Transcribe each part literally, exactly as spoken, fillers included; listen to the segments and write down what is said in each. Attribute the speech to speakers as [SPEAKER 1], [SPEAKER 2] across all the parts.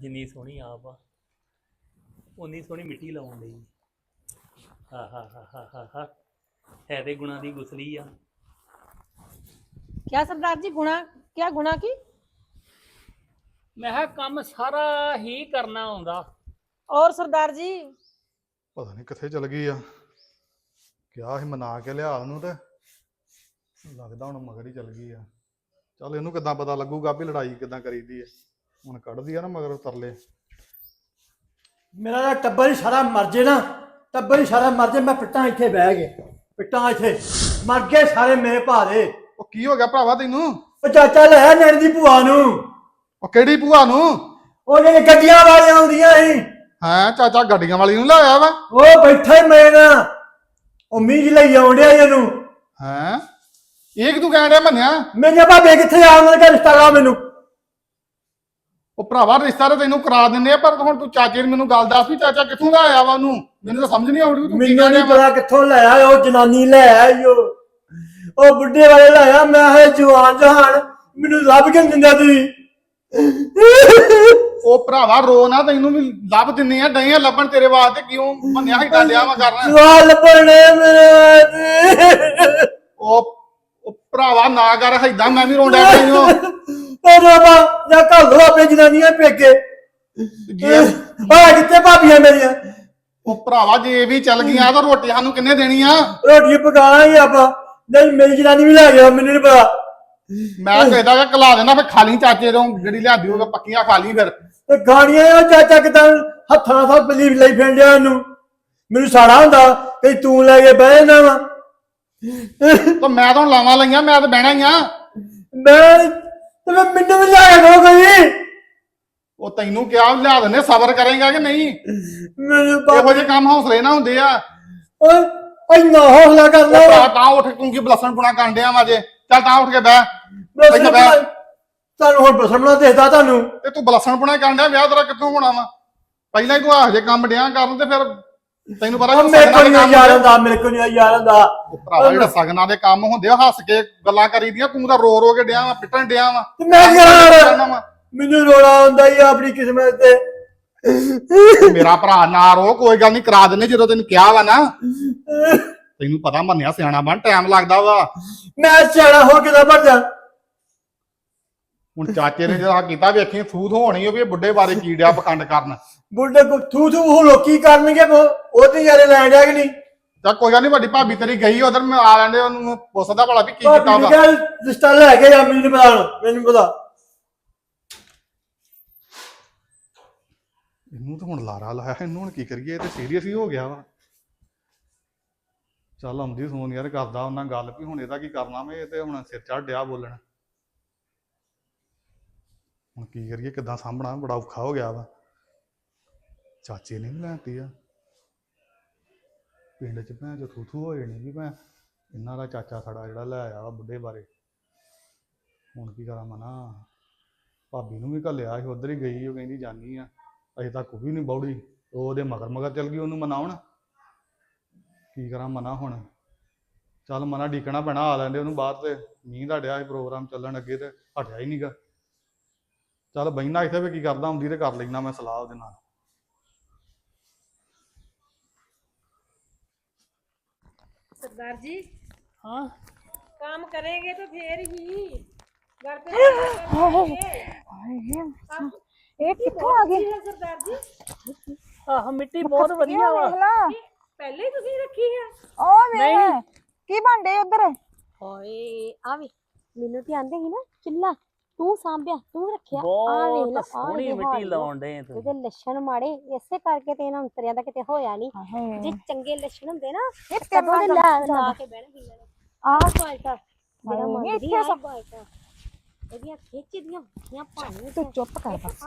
[SPEAKER 1] ਜਿੰਨੀ ਸੋਹਣੀ ਆਪ ਆ ਉਨੀ ਸੋਹਣੀ ਮਿੱਟੀ ਲਾਉਣ ਲਈ। ਹਾ ਹਾ ਹਾ ਹਾ ਹਾ ਹਾ ਹੈ ਤੇ ਗੁਣਾ ਦੀ ਗੁਸਲੀ ਆ।
[SPEAKER 2] क्या सरदार जी गुना क्या गुना की
[SPEAKER 1] ਮੈਂ ਕਿਹਾ ਕੰਮ ਸਾਰਾ ਹੀ ਕਰਨਾ ਆਉਂਦਾ।
[SPEAKER 2] और सरदार जी
[SPEAKER 3] ਪਤਾ ਨਹੀਂ ਕਿੱਥੇ ਚਲ ਗਈ ਆ। ਕਿਹਾ ਸੀ ਮਨਾ ਕੇ ਲਿਆ ਉਹਨੂੰ ਤੇ ਲੱਗਦਾ ਹੁਣ ਮਗਰ ਹੀ ਚਲ ਗਈ ਆ। ਚੱਲ ਇਹਨੂੰ ਕਿੱਦਾਂ ਪਤਾ ਲੱਗੂਗਾ ਵੀ ਲੜਾਈ ਕਿੱਦਾਂ ਕਰੀਦੀ ਹੈ। ਹੁਣ ਕੱਢਦੀ ਆ ਨਾ ਮਗਰ ਤਰਲੇ।
[SPEAKER 4] ਮੇਰਾ ਤਾਂ ਟੱਬਰ ਹੀ ਸਾਰਾ ਮਰ ਜੇ ਨਾ, ਟੱਬਰ ਹੀ ਸਾਰਾ ਮਰ ਜੇ। ਮੈਂ ਪਿੱਟਾਂ ਇੱਥੇ ਬਹਿ ਗਏ, ਪਿੱਟਾਂ ਇੱਥੇ ਮਰ ਗਏ ਸਾਰੇ ਮੇਰੇ ਭਾਰੇ।
[SPEAKER 3] ਉਹ ਕੀ ਹੋ ਗਿਆ ਭਰਾਵਾ ਤੈਨੂੰ?
[SPEAKER 4] ਉਹ ਚਾਚਾ ਲੈ ਨੈਣ ਦੀ ਭੂਆ ਨੂੰ।
[SPEAKER 3] ਉਹ ਕਿਹੜੀ ਭੂਆ ਨੂੰ?
[SPEAKER 4] ਉਹ ਜਿਹੜੇ ਗੱਡੀਆਂ ਵਾਲੀਆਂ ਆਉਂਦੀਆਂ ਸੀ।
[SPEAKER 3] ਹੈਂ ਚਾਚਾ ਗੱਡੀਆਂ ਵਾਲੀ ਨੂੰ ਲਾਇਆ ਵਾ?
[SPEAKER 4] ਉਹ ਬੈਠਾ ਹੀ ਮੈਂ ਨਾ ਉਮੀਦ ਲਈ ਆਉਣ ਡਿਆ ਇਹਨੂੰ।
[SPEAKER 3] ਹੈਂ ਇਹ ਕਿ ਤੂੰ ਕਹਿਣ ਡਿਆ ਮੰਨਿਆ?
[SPEAKER 4] ਮੇਰੇ ਭਾਬੇ ਕਿੱਥੇ ਆ? ਉਹਨਾਂ ਦਾ ਰਿਸ਼ਤਾ ਲਾ ਮੈਨੂੰ।
[SPEAKER 3] ਉਹ ਭਰਾਵਾ ਰਿਸ਼ਤਾ ਤਾਂ ਤੈਨੂੰ ਕਰਾ ਦਿੰਦੇ ਆ, ਪਰ ਹੁਣ ਤੂੰ ਚਾਚੇ ਨੂੰ ਮੈਨੂੰ ਗੱਲ ਦੱਸ ਵੀ ਚਾਚਾ ਕਿੱਥੋਂ ਦਾ ਆਇਆ ਵਾ ਉਹਨੂੰ। ਮੈਨੂੰ ਤਾਂ ਸਮਝ ਨਹੀਂ ਆਉਂਦੀ ਤੂੰ ਕੀ
[SPEAKER 4] ਮੈਨੂੰ
[SPEAKER 3] ਕਹਿ
[SPEAKER 4] ਨਹੀਂ
[SPEAKER 3] ਰਿਹਾ ਵਾ।
[SPEAKER 4] ਪਤਾ ਕਿੱਥੋਂ ਲਾਇਆ ਉਹ ਜਨਾਨੀ ਲੈ ਆਈ ਉਹ ਉਹ ਬੁੱਢੇ ਵਾਲੇ ਲਾਇਆ। ਮੈਂ ਹੈ ਜਵਾਨ ਜਹਾਨ, ਮੈਨੂੰ ਲੱਭ ਕੇ ਨੀ ਦਿੰਦਾ ਤੁਸੀਂ।
[SPEAKER 3] ਉਹ ਭਰਾਵਾ ਰੋ ਨਾ, ਤੈਨੂੰ ਵੀ ਲੱਭ ਦਿੰਨੇ ਆ, ਡਏ ਆ ਲੱਭਣ ਤੇਰੇ ਵਾਸਤੇ। ਕਿਉਂ ਮੰਨਿਆ ਹੀ ਡਾਲਿਆ ਵਾ ਕਰਨਾ?
[SPEAKER 4] ਸਵਾਲ ਬਣੇ ਮੇਰੇ।
[SPEAKER 3] ਉਹ ਉਹ ਭਰਾਵਾ ਨਾ ਕਰ ਏਦਾਂ, ਮੈਂ ਵੀ ਰੋਂਦਾ ਪਈ ਹਾਂ।
[SPEAKER 4] ਉਹ ਬਾਬਾ ਜਾਂ ਘੱਲ ਦੋ ਆਪਣੇ ਜਨਾਨੀਆਂ ਪੇਕੇ। ਆ ਕਿੱਥੇ ਭਾਬੀਆਂ ਮੇਰੀਆਂ?
[SPEAKER 3] ਉਹ ਭਰਾਵਾ ਜੇ ਵੀ ਚੱਲ ਗਈਆਂ ਤਾਂ ਰੋਟੀ ਸਾਨੂੰ ਕਿੰਨੇ ਦੇਣੀ ਆ?
[SPEAKER 4] ਰੋਟੀ ਪਕਾਣਾ ਹੀ ਆਪਾਂ। ਨਹੀਂ ਮੇਰੀ ਜਨਾਨੀ ਵੀ ਲੈ ਗਿਆ, ਮੈਨੂੰ ਨਹੀਂ ਪਤਾ।
[SPEAKER 3] ਮੈਂ ਕਹਿੰਦਾ ਕਿ ਕਲਾ ਦੇਣਾ, ਫਿਰ ਖਾ ਲਈ ਚਾਚੇ ਤੋਂ ਜਿਹੜੀ ਲਿਆਂਦੀ ਹੋਵੇ ਪੱਕੀਆਂ ਖਾ ਲਈ। ਫਿਰ
[SPEAKER 4] ਤੇ ਗਾੜੀਆਂ ਆ ਚਾਚਾ ਕਿਦਾਂ ਹੱਥਾਂ ਨਾਲ ਬਲੀਵ ਲਈ ਫਿਰਦਿਆ ਇਹਨੂੰ। ਮੈਨੂੰ ਸਾੜਾ ਹੁੰਦਾ ਕਿ ਤੂੰ ਲੈ ਕੇ ਬਹਿ ਜਾਣਾ ਵਾ।
[SPEAKER 3] ਤਾਂ ਮੈਂ ਤਾਂ ਲਾਵਾਂ ਲਈਆਂ, ਮੈਂ ਤਾਂ ਬਹਿਣਾ ਹੀ ਆ।
[SPEAKER 4] ਮੈਂ ਤੇ ਮੈਂ ਮੈਨੂੰ ਵੀ ਲਿਆ ਕੇ ਦੋ ਕੋਈ।
[SPEAKER 3] ਉਹ ਤੈਨੂੰ ਕਿਹਾ ਲਿਆ ਦਿੰਦੇ, ਸਬਰ ਕਰੇਗਾ ਕਿ ਨਹੀਂ?
[SPEAKER 4] ਮੈਨੂੰ
[SPEAKER 3] ਇਹੋ ਜਿਹੇ ਕੰਮ ਹੌਸਲੇ ਨਾ ਹੁੰਦੇ ਆ।
[SPEAKER 4] ਓਏ ਇੰਨਾ ਹੌਸਲਾ ਕਰਦਾ
[SPEAKER 3] ਉਹ
[SPEAKER 4] ਵਾ।
[SPEAKER 3] ਤਾਂ ਤਾਂ ਉੱਠ ਤੂੰ ਕੀ ਬਲਸਣ ਪੁਣਾ ਕਰਨ ਡਿਆ ਵਾ ਜੇ? ਚੱਲ ਤਾਂ ਉੱਠ ਕੇ ਬਹਿ।
[SPEAKER 4] ਬਸ ਤੁਹਾਨੂੰ ਹੁਣ ਬਸਮਣਾ ਦੇਖਦਾ ਤੁਹਾਨੂੰ।
[SPEAKER 3] ਤੇ ਤੂੰ ਬਲਸਣ ਪੁਣਾ ਕਰਨ ਡਿਆ, ਵਿਆਹ ਤੇਰਾ ਕਿੱਥੋਂ ਹੋਣਾ ਵਾ? ਪਹਿਲਾਂ ਹੀ ਤੂੰ ਇਹੋ ਜਿਹੇ ਕੰਮ ਡਿਆ ਕਰਨ ਤੇ ਫਿਰ ਤੈਨੂੰ ਪਤਾ
[SPEAKER 4] ਉਹ ਮੇਰੇ ਕੋਲ ਨਹੀਂ ਯਾਰ ਹੁੰਦਾ, ਮੇਰੇ ਕੋਲ ਨਹੀਂ ਯਾਰ ਹੁੰਦਾ।
[SPEAKER 3] ਭਰਾਵਾ ਜਿਹੜਾ ਸਗਨਾਂ ਦੇ ਕੰਮ ਹੁੰਦੇ ਆ ਹੱਸ ਕੇ ਗੱਲਾਂ ਕਰੀਦੀਆਂ, ਤੂੰ ਤਾਂ ਰੋ ਰੋ ਕੇ ਡਿਆ ਵਾ, ਪਿੱਟਣ ਡਿਆ ਵਾ।
[SPEAKER 4] ਤੇ ਮੈਂ ਯਾਰ ਮੈਨੂੰ ਰੋਣਾ ਆਉਂਦਾ ਹੀ ਆਪਣੀ ਕਿਸਮਤ ਤੇ।
[SPEAKER 3] ਮੇਰਾ ਭਰਾ ਨਾ ਰੋ, ਕੋਈ ਗੱਲ ਨਹੀਂ ਕਰਾ ਦਿੰਦੇ ਜਦੋਂ ਤੈਨੂੰ ਕਿਹਾ ਵਾ ਨਾ। ਤੈਨੂੰ ਪਤਾ ਮੰਨਿਆ ਸਿਆਣਾ ਬਣ, ਟਾਈਮ ਲੱਗਦਾ ਵਾ।
[SPEAKER 4] ਮੈਂ ਸਿਆਣਾ ਹੋ ਕਿਦਾਂ ਬਣ ਜਾ?
[SPEAKER 3] ਹੁਣ ਚਾਚੇ ਨੇ ਜਿਹੜਾ ਕੀਤਾ ਵੇਖੀ ਥੂ ਥੂ ਹੋਣੀ ਉਹ ਵੀ ਬੁੱਢੇ ਬਾਰੇ ਕੀ ਡਿਆ ਪਖੰਡ ਕਰਨ।
[SPEAKER 4] ਬੁੱਢੇ ਕੋ ਥੂ ਥੂ ਉਹ ਲੋਕੀ ਕਰਨਗੇ, ਉਹਦੇ ਯਾਰੇ ਲੈਣ ਜਾ ਕਿ ਨਹੀਂ?
[SPEAKER 3] ਤਾਂ ਕੋਈ ਗੱਲ ਨਹੀਂ, ਵੱਡੀ ਭਾਬੀ ਤੇਰੀ ਗਈ ਉਧਰ, ਮੈਂ ਆ ਲੈਂਦੇ ਉਹਨੂੰ ਪੁੱਛਦਾ ਭਲਾ ਵੀ ਕੀ ਕੀਤਾ ਵਾ।
[SPEAKER 4] ਰਿਸ਼ਤਾ ਲੈ ਕੇ ਜਾ, ਮੈਨੂੰ ਨਹੀਂ ਪਤਾ, ਮੈਨੂੰ ਪਤਾ।
[SPEAKER 3] ਇਹਨੂੰ ਤਾਂ ਹੁਣ ਲਾਰਾ ਲਾਇਆ, ਇਹਨੂੰ ਹੁਣ ਕੀ ਕਰੀਏ? ਇਹ ਤੇ ਸੀਰੀਅਸ ਹੀ ਹੋ ਗਿਆ ਵਾ। ਚੱਲ ਆਉਂਦੀ ਸੋਨ ਯਾਰ ਕਰਦਾ ਉਹਨਾਂ ਗੱਲ ਵੀ ਹੁਣ ਇਹਦਾ ਕੀ ਕਰਨਾ ਵਾ। ਇਹ ਤੇ ਹੁਣ ਸਿਰ ਚੜ੍ਹ ਡਿਆ ਬੋਲਣ। ਹੁਣ ਕੀ ਕਰੀਏ, ਕਿੱਦਾਂ ਸਾਂਭਣਾ? ਬੜਾ ਔਖਾ ਹੋ ਗਿਆ ਵਾ। ਚਾਚੇ ਨੇ ਵੀ ਲੈਤੀ ਆ ਪਿੰਡ ਚ, ਭੈਣ ਚ ਥੂ ਥੂ ਹੋ ਜਾਣੀ ਵੀ ਮੈਂ ਇਹਨਾਂ ਦਾ ਚਾਚਾ ਸਾਡਾ ਜਿਹੜਾ ਲੈ ਆਇਆ ਵਾ ਬੁੱਢੇ ਬਾਰੇ। ਹੁਣ ਕੀ ਕਰਾਂ ਮਨਾ? ਭਾਬੀ ਨੂੰ ਵੀ ਘੱਲਿਆ ਸੀ, ਉੱਧਰ ਹੀ ਗਈ, ਉਹ ਕਹਿੰਦੀ ਜਾਨੀ ਆ। ਅਜੇ ਤੱਕ ਉਹ ਵੀ ਨਹੀਂ ਬੌੜੀ, ਉਹ ਉਹਦੇ ਮਗਰ ਮਗਰ ਚੱਲ ਗਈ ਉਹਨੂੰ ਮਨਾਉਣ। ਕੀ ਕਰਾਂ ਮਨਾ ਹੁਣ? ਚੱਲ ਮਨਾ ਡੀਕਣਾ ਪੈਣਾ, ਆ ਲੈਂਦੇ ਉਹਨੂੰ ਬਾਹਰ। ਤੇ ਮੀਂਹ ਦਾ ਡਿਆ ਸੀ ਪ੍ਰੋਗਰਾਮ ਚੱਲਣ ਅੱਗੇ ਤੇ ਹਟਿਆ ਹੀ ਨਹੀਂਗਾ। ਚੱਲ ਬਹਿਣਾ ਇੱਥੇ ਵੀ ਕੀ ਕਰਦਾ, ਹੁੰਦੀ ਤੇ ਕਰ ਲੈਣਾ ਮੈਂ ਸਲਾਹ ਉਹਦੇ ਨਾਲ।
[SPEAKER 2] सरदार जी
[SPEAKER 1] हाँ
[SPEAKER 2] काम करेंगे तो फिर ही घर पे
[SPEAKER 5] ਇਹ ਕਿੱਥੋਂ ਆ ਗਈ?
[SPEAKER 2] सरदार जी
[SPEAKER 1] ਆਹ ਮਿੱਟੀ ਬਹੁਤ ਵਧੀਆ ਵਾ।
[SPEAKER 5] ਵੇਖ ਲਾ
[SPEAKER 2] पहले ही तुसी रखी है।
[SPEAKER 5] ਉਹ ਵੇਖ
[SPEAKER 1] ਨਹੀਂ।
[SPEAKER 5] ਕੀ ਬਣਦੇ ਉਧਰ?
[SPEAKER 6] ਹਾਏ ਆਵੇ ਮੈਨੂੰ ਤੇ ਆਂਦੇ ਸੀ ਨਾ ਚੁੱਲਾ ਤੂੰ ਸਾਂਭਿਆ ਤੂੰ ਰੱਖਿਆ ਆ ਵੇਖ
[SPEAKER 1] ਬਹੁਤ
[SPEAKER 6] ਲਾ ਆ
[SPEAKER 1] ਸੋਹਣੀ ਮਿੱਟੀ ਲਾਉਣ ਡੇ ਤੂੰ।
[SPEAKER 6] ਉਹਦੇ ਲੱਛਣ ਮਾੜੇ ਇਸੇ ਕਰਕੇ ਤੇ ਇਹਨਾਂ ਅੰਤਰਿਆਂ ਦਾ ਕਿਤੇ ਹੋਇਆ ਨਹੀਂ। ਜੇ ਚੰਗੇ ਲੱਛਣ ਹੁੰਦੇ ਨਾ
[SPEAKER 5] ਇਹ
[SPEAKER 6] ਕਦੋਂ ਦੇ
[SPEAKER 5] ਤੇਰਾ
[SPEAKER 6] ਲਾ ਲਾ ਕੇ ਬਹਿਣਾ ਸੀ ਇਹਨਾਂ ਨੇ।
[SPEAKER 5] ਆ
[SPEAKER 6] ਬਾਲਟਾ ਮੇਰਾ
[SPEAKER 5] ਨਹੀਂ,
[SPEAKER 6] ਮੰਗਦੀ
[SPEAKER 5] ਇੱਥੇ
[SPEAKER 6] ਆ
[SPEAKER 5] ਸਭ-
[SPEAKER 6] ਬਾਲਟਾ ਇਹਦੀਆਂ ਖਿੱਚਦੀਆਂ ਹੁੰਦੀਆਂ ਪਾਣੀ
[SPEAKER 5] ਤੂੰ ਚੁੱਪ ਕਰ ਬਸ।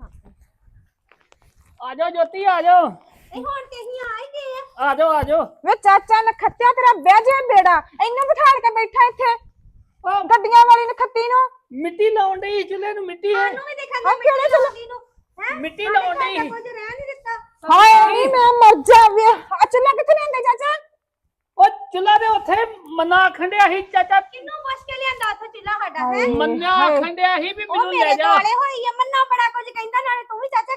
[SPEAKER 1] ਆ ਜਾਓ ਜੋਤੀ, ਆ ਜਾਓ
[SPEAKER 6] ਇਹ ਹੁਣ ਤੇ ਅਸੀਂ ਆ ਹੀ ਗਏ ਆ।
[SPEAKER 1] ਆ ਜਾਓ ਆ ਜਾਓ।
[SPEAKER 5] ਵੇ ਚਾਚਾ ਨਖੱਤਿਆ ਤੇਰਾ ਬਹਿ ਜਾ ਬੇੜਾ, ਇਹਨੂੰ ਬਿਠਾੜ ਕੇ ਬੈਠਾ ਇੱਥੇ ਗੱਡੀਆਂ ਵਾਲੀ ਨਖੱਤੀ ਨੂੰ।
[SPEAKER 1] ਮਿੱਟੀ ਲਾਉਣ ਡਈ ਚੁੱਲ੍ਹੇ ਨੂੰ, ਮਿੱਟੀ ਹੈ
[SPEAKER 6] ਸਾਨੂੰ ਵੀ ਦੇਖਣ
[SPEAKER 5] ਆ ਕਿਹੜੇ ਚੁੱਲ੍ਹੇ?
[SPEAKER 6] ਮਿੱਟੀ ਨੂੰ ਹੈ
[SPEAKER 1] ਮਿੱਟੀ ਲਾਉਣ ਡਈ।
[SPEAKER 6] ਕੁਝ ਰਹਿ ਨਹੀਂ ਦਿੱਤਾ।
[SPEAKER 5] ਹਾਏ ਨਹੀਂ ਮੈਂ ਮਰ ਜਾ ਵੇ। ਆ ਚੁੱਲ੍ਹਾ ਕਿੱਥੇ ਲੈਂਦੇ ਚਾਚਾ?
[SPEAKER 1] ਉਹ ਚੁੱਲ੍ਹਾ ਦੇ ਉੱਥੇ ਮੰਨਾ ਖੰਡਿਆ ਸੀ ਚਾਚਾ।
[SPEAKER 6] ਕਿੰਨੂੰ ਪੁੱਛ ਕੇ ਲਿਆਂਦਾ ਉੱਥੇ ਚੁੱਲ੍ਹਾ ਸਾਡਾ ਹੈ?
[SPEAKER 1] ਮੰਨਾ ਖੰਡਿਆ ਸੀ ਵੀ
[SPEAKER 6] ਉਹ
[SPEAKER 1] ਮੈਨੂੰ ਲੈ
[SPEAKER 6] ਮੇਰੇ
[SPEAKER 1] ਜਾ।
[SPEAKER 6] ਦੁਆਲੇ ਹੋਈ ਆ, ਮੰਨਾ ਬੜਾ ਕੁਝ ਕਹਿੰਦਾ, ਨਾਲੇ ਤੂੰ ਵੀ ਚਾਚਾ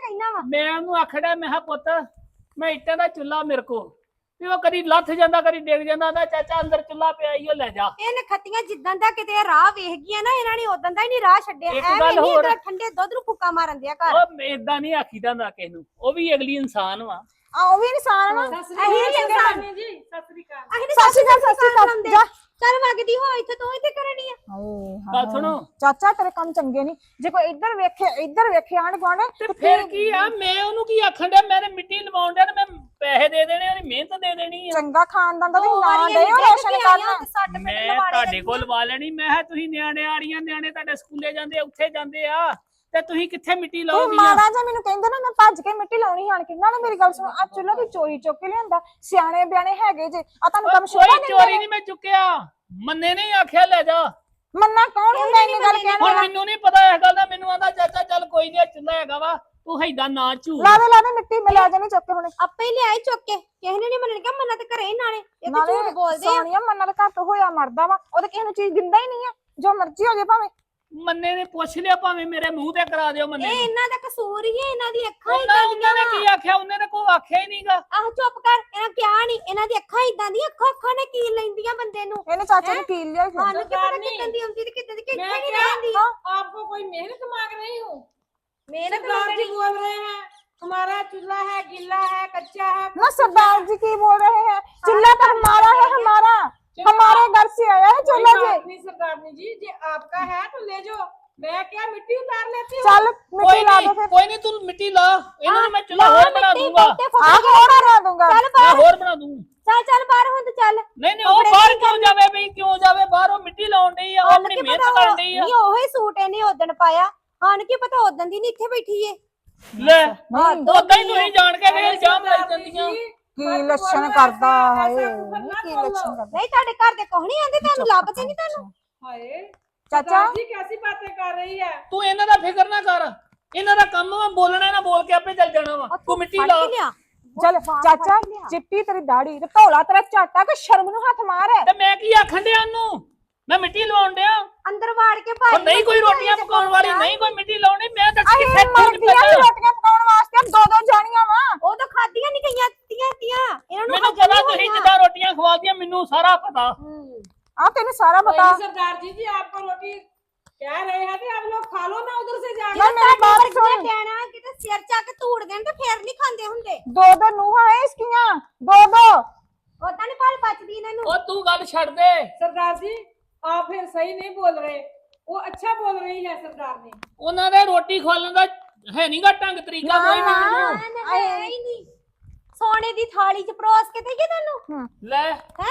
[SPEAKER 1] ਮੈਂ ਉਹਨੂੰ ਆਖੜਿਆ ਮੈਂ ਕਿਹਾ ਪੁੱਤ ਮੈਂ ਇੱਟਾਂ ਦਾ ਚੁੱਲਾ ਮੇਰੇ ਕੋ ਵੀ ਉਹ ਕਦੀ ਲੱਥ ਜਾਂਦਾ ਕਦੀ ਡਿੱਗ ਜਾਂਦਾ ਦਾ ਚਾਚਾ ਅੰਦਰ ਚੁੱਲਾ ਪਿਆ ਈ ਉਹ ਲੈ ਜਾ।
[SPEAKER 6] ਇਹ ਨਖੱਤੀਆਂ ਜਿੱਦਾਂ ਦਾ ਕਿਤੇ ਰਾਹ ਵੇਖ ਗਈਆਂ ਨਾ ਇਹਨਾਂ ਨੇ ਉਦੋਂ ਦਾ ਹੀ ਨਹੀਂ ਰਾਹ ਛੱਡਿਆ।
[SPEAKER 1] ਇੱਕ
[SPEAKER 6] ਐਵੇਂ
[SPEAKER 1] ਗੱਲ
[SPEAKER 6] ਨਹੀਂ
[SPEAKER 1] ਹੋਰ।
[SPEAKER 6] ਇਧਰ ਠੰਡੇ ਦੁੱਧ ਨੂੰ ਫੁੱਕਾ ਮਾਰਨ ਦਿਆ ਘਰ।
[SPEAKER 1] ਉਹ ਏਦਾਂ ਨਹੀਂ ਆਖੀਦਾ ਹੁੰਦਾ ਕਿਸੇ ਨੂੰ, ਉਹ ਵੀ ਅਗਲੀ ਇਨਸਾਨ ਵਾ।
[SPEAKER 5] ਆ ਉਹ ਵੀ ਇਨਸਾਨ ਵਾ।
[SPEAKER 2] ਸਤਿ ਸ੍ਰੀ
[SPEAKER 6] ਅਸੀਂ
[SPEAKER 2] ਅਕਾਲ
[SPEAKER 6] ਨੀ ਚੰਗੇ
[SPEAKER 2] ਮਾਮੀ ਜੀ, ਸਤਿ ਸ੍ਰੀ ਅਕਾਲ।
[SPEAKER 6] ਅਸੀਂ
[SPEAKER 5] ਸਤਿ ਸ਼੍ਰੀ ਅਕਾਲ, ਸਤਿ ਸ਼੍ਰੀ ਅਕਾਲ। ਜਾ।
[SPEAKER 6] ਚੱਲ ਵਗਦੀ ਹੋ ਇੱਥੇ ਤੂੰ ਇੱਥੇ ਕਰਨੀ ਆ।
[SPEAKER 1] ਗੱਲ ਸੁਣੋ
[SPEAKER 5] ਚਾਚਾ ਤੇਰੇ ਕੰਮ ਚੰਗੇ ਨਹੀਂ, ਜੇ ਕੋਈ ਇੱਧਰ ਵੇਖੇ ਇੱਧਰ ਵੇਖੇ ਆਣ ਗੁਆਂਢ
[SPEAKER 1] ਤੇ ਫਿਰ ਕੀ ਆ, ਮੈਂ ਉਹਨੂੰ ਕੀ ਆਖਣ ਡਿਆ, ਮੈਂ ਮਿੱਟੀ ਲਵਾਉਣ ਡਿਆ ਤੇ ਮੈਂ ਪੈਸੇ ਦੇ ਦੇਣੇ, ਉਹਦੀ ਮਿਹਨਤ ਦੇ ਦੇਣੀ ਆ।
[SPEAKER 5] ਚੰਗਾ ਖਾਨਦਾਨ ਦਾ
[SPEAKER 6] ਦੋ
[SPEAKER 5] ਤੁਸੀਂ ਨਾਂ
[SPEAKER 6] ਵਾਰੀ
[SPEAKER 5] ਦੇ
[SPEAKER 6] ਅਸੀਂ
[SPEAKER 5] ਰੋਸ਼ਨ
[SPEAKER 6] ਡਿੱਗ ਕੇ ਆਈਆਂ
[SPEAKER 5] ਕਰਨਾ।
[SPEAKER 6] ਤੇ ਸੱਟ ਪਿੱਟ
[SPEAKER 1] ਮੈਂ
[SPEAKER 6] ਲਵਾੜੇ
[SPEAKER 1] ਤੁਹਾਡੇ
[SPEAKER 6] ਲੱਗੀ।
[SPEAKER 1] ਕੋਲ ਲਵਾ ਲੈਣੀ। ਮੈਂ ਕਿਹਾ ਤੁਸੀਂ ਨਿਆਣੇ ਆ ਰਹੀਆਂ, ਨਿਆਣੇ ਤੁਹਾਡੇ ਸਕੂਲੇ ਜਾਂਦੇ ਉੱਥੇ ਜਾਂਦੇ ਆ ਤੇ ਤੁਸੀਂ ਕਿੱਥੇ ਮਿੱਟੀ
[SPEAKER 5] ਤੂੰ
[SPEAKER 1] ਲਾਓਗੀ?
[SPEAKER 5] ਮਾੜਾ ਜਿਹਾ ਮੈਨੂੰ ਕਹਿੰਦਾ ਨਾ ਮੈਂ ਭੱਜ ਕੇ ਮਿੱਟੀ ਲਾਉਣੀ ਆਣ ਕੇ। ਨਾਲੇ ਮੇਰੀ ਗੱਲ ਸੁਣੋ, ਆ ਚੁੱਲ੍ਹਾ ਦੀ ਚੋਰੀ ਚੁੱਕ ਕੇ ਲਿਆਂਦਾ, ਸਿਆਣੇ ਬਿਆਣੇ ਹੈਗੇ ਜੇ, ਆ ਤੁਹਾਨੂੰ ਕੰਮ ਸ਼ੋਭਾ
[SPEAKER 1] ਕੋਈ
[SPEAKER 5] ਨਹੀਂ
[SPEAKER 1] ਚੋਰੀ ਨਹੀਂ ਮੈਂ ਚੁੱਕਿਆ, ਮੰਨੇ ਨਹੀਂ ਆਖਿਆ ਲੈ ਜਾ।
[SPEAKER 5] ਮੰਨਾ ਕੌਣ ਹੁੰਦਾ ਇੰਨੀ ਗੱਲ ਕਹਿਣ
[SPEAKER 1] ਹੁਣ
[SPEAKER 5] ਵਾਲਾ?
[SPEAKER 1] ਮੈਨੂੰ ਨਹੀਂ ਪਤਾ ਇਸ ਗੱਲ ਦਾ, ਮੈਨੂੰ ਆਂਦਾ ਚਾਚਾ ਚੱਲ ਕੋਈ ਨਹੀਂ ਚੁੱਲਾ ਹੈਗਾ ਵਾ, ਤੂੰ ਹੈਦਾ ਨਾ ਝੂਠ।
[SPEAKER 5] ਲਾ ਦੇ ਲਾ ਦੇ ਮਿੱਟੀ ਮੈਂ ਲੈ ਜਾਣੀ ਚੁੱਕ ਕੇ ਹੁਣੇ।
[SPEAKER 6] ਆਪੇ ਹੀ ਲਿਆਏ ਚੁੱਕ ਕੇ, ਕਿਸੇ ਨੇ ਨਹੀਂ ਮੰਨਣ ਕਿਹਾ ਮੰਨਾ ਤੇ ਘਰੇ ਹੀ ਨਾਲੇ ਇਹ ਤੇ ਝੂਠ ਬੋਲਦੇ ਆ।
[SPEAKER 5] ਸੋਨੀਆ ਮੰਨਾ ਦਾ ਘਰ ਤੋਂ ਹੋਇਆ ਮਰਦਾ ਵਾ, ਉਹ ਤੇ ਕਿਸੇ ਨੂੰ ਚੀਜ਼ ਦਿੰਦਾ ਹੀ ਨਹੀਂ ਆ, ਜੋ ਮਰਜ਼ੀ ਹੋ ਜਾਏ ਭਾਵੇਂ।
[SPEAKER 1] ਮੰਨੇ ਨੇ ਪੁੱਛ ਲਿਆ, ਭਾਵੇਂ ਮੇਰੇ ਮੂੰਹ ਤੇ ਕਰਾ ਦਿਓ ਮੰਨੇ
[SPEAKER 6] ਇਹ
[SPEAKER 1] ਨੂੰ।
[SPEAKER 6] ਇਹਨਾਂ ਦਾ ਕਸੂਰ ਹੀ ਹੈ, ਇਹਨਾਂ ਦੀ ਅੱਖਾਂ ਹੀ
[SPEAKER 1] ਉਹਨਾਂ
[SPEAKER 6] ਇਦਾਂ
[SPEAKER 1] ਉਹਨਾਂ ਨੇ
[SPEAKER 6] ਦੀਆਂ
[SPEAKER 1] ਕੀ ਆਖਿਆ, ਉਹਨੇ ਤਾਂ ਕੋਈ ਆਖਿਆ ਹੀ ਨਹੀਂਗਾ।
[SPEAKER 6] ਆਹ ਚੁੱਪ ਕਰ, ਇਹਨਾਂ ਕਿਹਾ ਨਹੀਂ, ਇਹਨਾਂ ਦੀ ਅੱਖਾਂ ਇਦਾਂ ਦੀਆਂ, ਅੱਖਾਂ ਅੱਖਾਂ ਨੇ ਕੀਲ ਲੈਂਦੀਆਂ ਬੰਦੇ ਨੂੰ।
[SPEAKER 5] ਇਹਨੇ ਚਾਚੇ ਨੂੰ ਕੀਲ ਲਿਆ ਫਿਰ।
[SPEAKER 6] ਸਾਨੂੰ ਕੀ ਪਤਾ
[SPEAKER 2] ਸਰਦਾਰਨੀ।
[SPEAKER 6] ਕਿੱਦਾਂ ਦੀ ਆਉਂਦੀ ਤੇ ਕਿੱਦਾਂ ਦੀ ਕਿੱਥੇ
[SPEAKER 2] मैं
[SPEAKER 6] ਨਹੀਂ
[SPEAKER 2] क्या
[SPEAKER 6] ਰਹਿੰਦੀ।
[SPEAKER 2] आपको कोई मेहनत मांग रही हूँ?
[SPEAKER 6] ਮਿਹਨਤ
[SPEAKER 2] सरदार जी
[SPEAKER 6] ਮੰਗਣੀ
[SPEAKER 2] बोल रहे हैं हमारा चूल्हा है, गिल्ला है, कच्चा है।
[SPEAKER 5] ना सरदार जी की बोल रहे हैं, चूल्हा तो हमारा है, हमारा हमारे घर से आया है
[SPEAKER 2] कोई
[SPEAKER 5] चूल्हा जी।
[SPEAKER 2] बात नहीं सरदारनी जी, जी आपका है तो ले जाओ, मैं क्या मिट्टी उतार लेती हूँ।
[SPEAKER 5] चल मिट्टी
[SPEAKER 1] ਕੋਈ
[SPEAKER 5] ला दो
[SPEAKER 1] ਨਹੀਂ
[SPEAKER 5] फिर।
[SPEAKER 1] ਕੋਈ ਨਹੀਂ, ਤੂੰ ਮਿੱਟੀ ਲਾ, ਇਹਨਾਂ ਨੂੰ ਮੈਂ ਚੁੱਲਾ
[SPEAKER 6] ਲਾ
[SPEAKER 1] ਹੋਰ ਬਣਾ
[SPEAKER 6] ਮਿੱਟੀ,
[SPEAKER 1] ਦੂੰਗਾ।
[SPEAKER 6] ਬਹੁਤੇ ਫੁੱਟ
[SPEAKER 5] आग
[SPEAKER 6] ਗਏ।
[SPEAKER 5] और बना दूंगा।
[SPEAKER 6] ਚੱਲ
[SPEAKER 1] ਮੈਂ
[SPEAKER 6] ਬਾਹਰ,
[SPEAKER 1] ਹੋਰ ਬਣਾ ਦੂੰ।
[SPEAKER 6] ਚੱਲ ਚੱਲ ਬਾਹਰ ਹੁਣ ਤੇ ਚੱਲ।
[SPEAKER 1] ਨਹੀਂ ਨਹੀਂ ਉਹ ਬਾਹਰ ਕਿਉਂ ਜਾਵੇ ਬਈ, ਕਿਉਂ ਜਾਵੇ ਬਾਹਰ? ਉਹ ਮਿੱਟੀ ਲਾਉਣ ਡਈ ਆ, ਉਹ
[SPEAKER 6] ਸਾਨੂੰ
[SPEAKER 1] ਆਪਣੀ
[SPEAKER 6] ਕੀ
[SPEAKER 1] ਮਿਹਨਤ
[SPEAKER 6] ਪਤਾ
[SPEAKER 1] ਕਰਨ
[SPEAKER 6] ਉਹ-
[SPEAKER 1] ਡਈ ਆ।
[SPEAKER 6] ਨਹੀਂ ਉਹੀ ਸੂਟ ਇਹਨੇ ਉਦਣ ਪਾਇਆ, ਸਾਨੂੰ ਕੀ ਪਤਾ ਉਦਣ ਦੀ ਨਹੀਂ ਇੱਥੇ ਬੈਠੀ ਏ।
[SPEAKER 1] ਲੈ
[SPEAKER 5] नहीं,
[SPEAKER 1] ਉਦਾਂ ਹੀ ਤੁਸੀਂ ਜਾਣ ਕੇ ਵੇ ਇਲਜ਼ਾਮ ਲਾਈ
[SPEAKER 2] सरदारनी
[SPEAKER 1] ਜਾਂਦੀਆਂ।
[SPEAKER 2] जी,
[SPEAKER 5] की
[SPEAKER 2] मत
[SPEAKER 5] लक्षण
[SPEAKER 2] बोलो
[SPEAKER 5] करता
[SPEAKER 2] ऐसा,
[SPEAKER 5] है,
[SPEAKER 2] ऐसा कुछ
[SPEAKER 5] नहीं
[SPEAKER 2] मत
[SPEAKER 5] की
[SPEAKER 2] बोलो।
[SPEAKER 5] लक्षण करता।
[SPEAKER 6] ਨਹੀਂ ਤੁਹਾਡੇ ਘਰ ਦੇ ਕੋਹ ਨਹੀਂ ਆਂਦੇ, ਤੁਹਾਨੂੰ ਲੱਭਦੇ ਨਹੀਂ ਤੁਹਾਨੂੰ।
[SPEAKER 2] हाय
[SPEAKER 5] चाचा
[SPEAKER 2] सरदार जी कैसी बातें कर रही है?
[SPEAKER 1] ਤੂੰ ਇਹਨਾਂ ਦਾ ਫਿਕਰ ਨਾ ਕਰ, ਇਹਨਾਂ ਦਾ ਕੰਮ ਵਾ ਬੋਲਣਾ, ਨਾ ਬੋਲ ਕੇ ਆਪੇ ਚੱਲ ਜਾਣਾ ਵਾ। ਤੂੰ ਮਿੱਟੀ
[SPEAKER 6] ਫੜ
[SPEAKER 1] ਲਾ।
[SPEAKER 6] ਕੇ ਲਿਆ।
[SPEAKER 5] चल चाचा चिट्टी तेरी दाढ़ी ते धौला तेरा झाटा, कोई शर्म नु हाथ मार है।
[SPEAKER 1] ਤੇ ਮੈਂ ਕੀ ਆਖਣ ਡਿਆ ਉਹਨੂੰ, ਮੈਂ ਮਿੱਟੀ ਲਵਾਉਣ ਡਿਆ।
[SPEAKER 6] ਅੰਦਰ ਵਾੜ ਕੇ
[SPEAKER 1] ਉਹ
[SPEAKER 6] ਭਾਈ
[SPEAKER 1] ਨਹੀਂ ਕੋਈ ਰੋਟੀਆਂ ਪਕਾਉਣ ਵਾਲੀ, ਨਹੀਂ ਕੋਈ ਮਿੱਟੀ ਲਾਉਣੀ, ਮੈਂ ਤਾਂ
[SPEAKER 5] अहे
[SPEAKER 1] ਕਿੱਥੇ
[SPEAKER 5] मर
[SPEAKER 1] ਤੂੰ
[SPEAKER 5] गया रोटियां पकाउण वास्ते दो दो जानियां वा।
[SPEAKER 6] ਉਹ ਤਾਂ ਖਾਦੀਆਂ ਨਹੀਂ ਗਈਆਂ ਤੀਆਂ ਤੀਆਂ ਇਹਨਾਂ ਨੂੰ
[SPEAKER 1] ਮੈਨੂੰ
[SPEAKER 6] ਹਜਮ
[SPEAKER 1] ਪਤਾ
[SPEAKER 6] ਨਹੀਂ
[SPEAKER 1] ਤੁਸੀਂ
[SPEAKER 6] ਹੋਣੀਆਂ।
[SPEAKER 1] ਜਿੱਦਾਂ ਰੋਟੀਆਂ ਖਵਾਦੀਆਂ, ਮੈਨੂੰ ਸਾਰਾ ਪਤਾ।
[SPEAKER 6] ਹੂੰ।
[SPEAKER 5] आ तेने सारा
[SPEAKER 2] कोई
[SPEAKER 5] बता।
[SPEAKER 2] नहीं सरदार जी, जी आपको रोटी कह रहे हैं कि आप लोग खा लो ना उधर से जाके।
[SPEAKER 5] यार मेरी बात
[SPEAKER 6] ਤੁਹਾਡੇ
[SPEAKER 5] सुन,
[SPEAKER 6] ਵਰਗੀਆਂ ਕਹਿਣਾ ਕਿਤੇ ਸਿਰ ਚਾ ਕੇ ਧੂੜ ਦੇਣ ਤੇ ਫੇਰ ਨਹੀਂ ਖਾਂਦੇ ਹੁੰਦੇ।
[SPEAKER 5] दो दो नूहां है इसकियां, दो दो।
[SPEAKER 6] ਉਦਾਂ ਨਹੀਂ ਫਲ ਪਚਦੀ ਇਹਨਾਂ ਨੂੰ।
[SPEAKER 1] ਉਹ ਤੂੰ ਗੱਲ ਛੱਡ ਦੇ।
[SPEAKER 2] सरदार जी आप फिर सही नहीं बोल रहे, वो अच्छा बोल रही है सरदारनी।
[SPEAKER 1] ਉਹਨਾਂ ਦੇ ਰੋਟੀ ਖਵਾਲਣ ਦਾ ਹੈ ਨਹੀਂਗਾ ਢੰਗ ਤਰੀਕਾ ਕੋਈ ਵੀ ਮੈਨੂੰ।
[SPEAKER 6] ਹੈ ਹੀ ਨਹੀਂ। ਸੋਨੇ ਦੀ ਥਾਲੀ ਚ ਪਰੋਸ ਕੇ ਦੇਈਏ ਤੁਹਾਨੂੰ।
[SPEAKER 1] ਲੈ
[SPEAKER 6] ਹੈ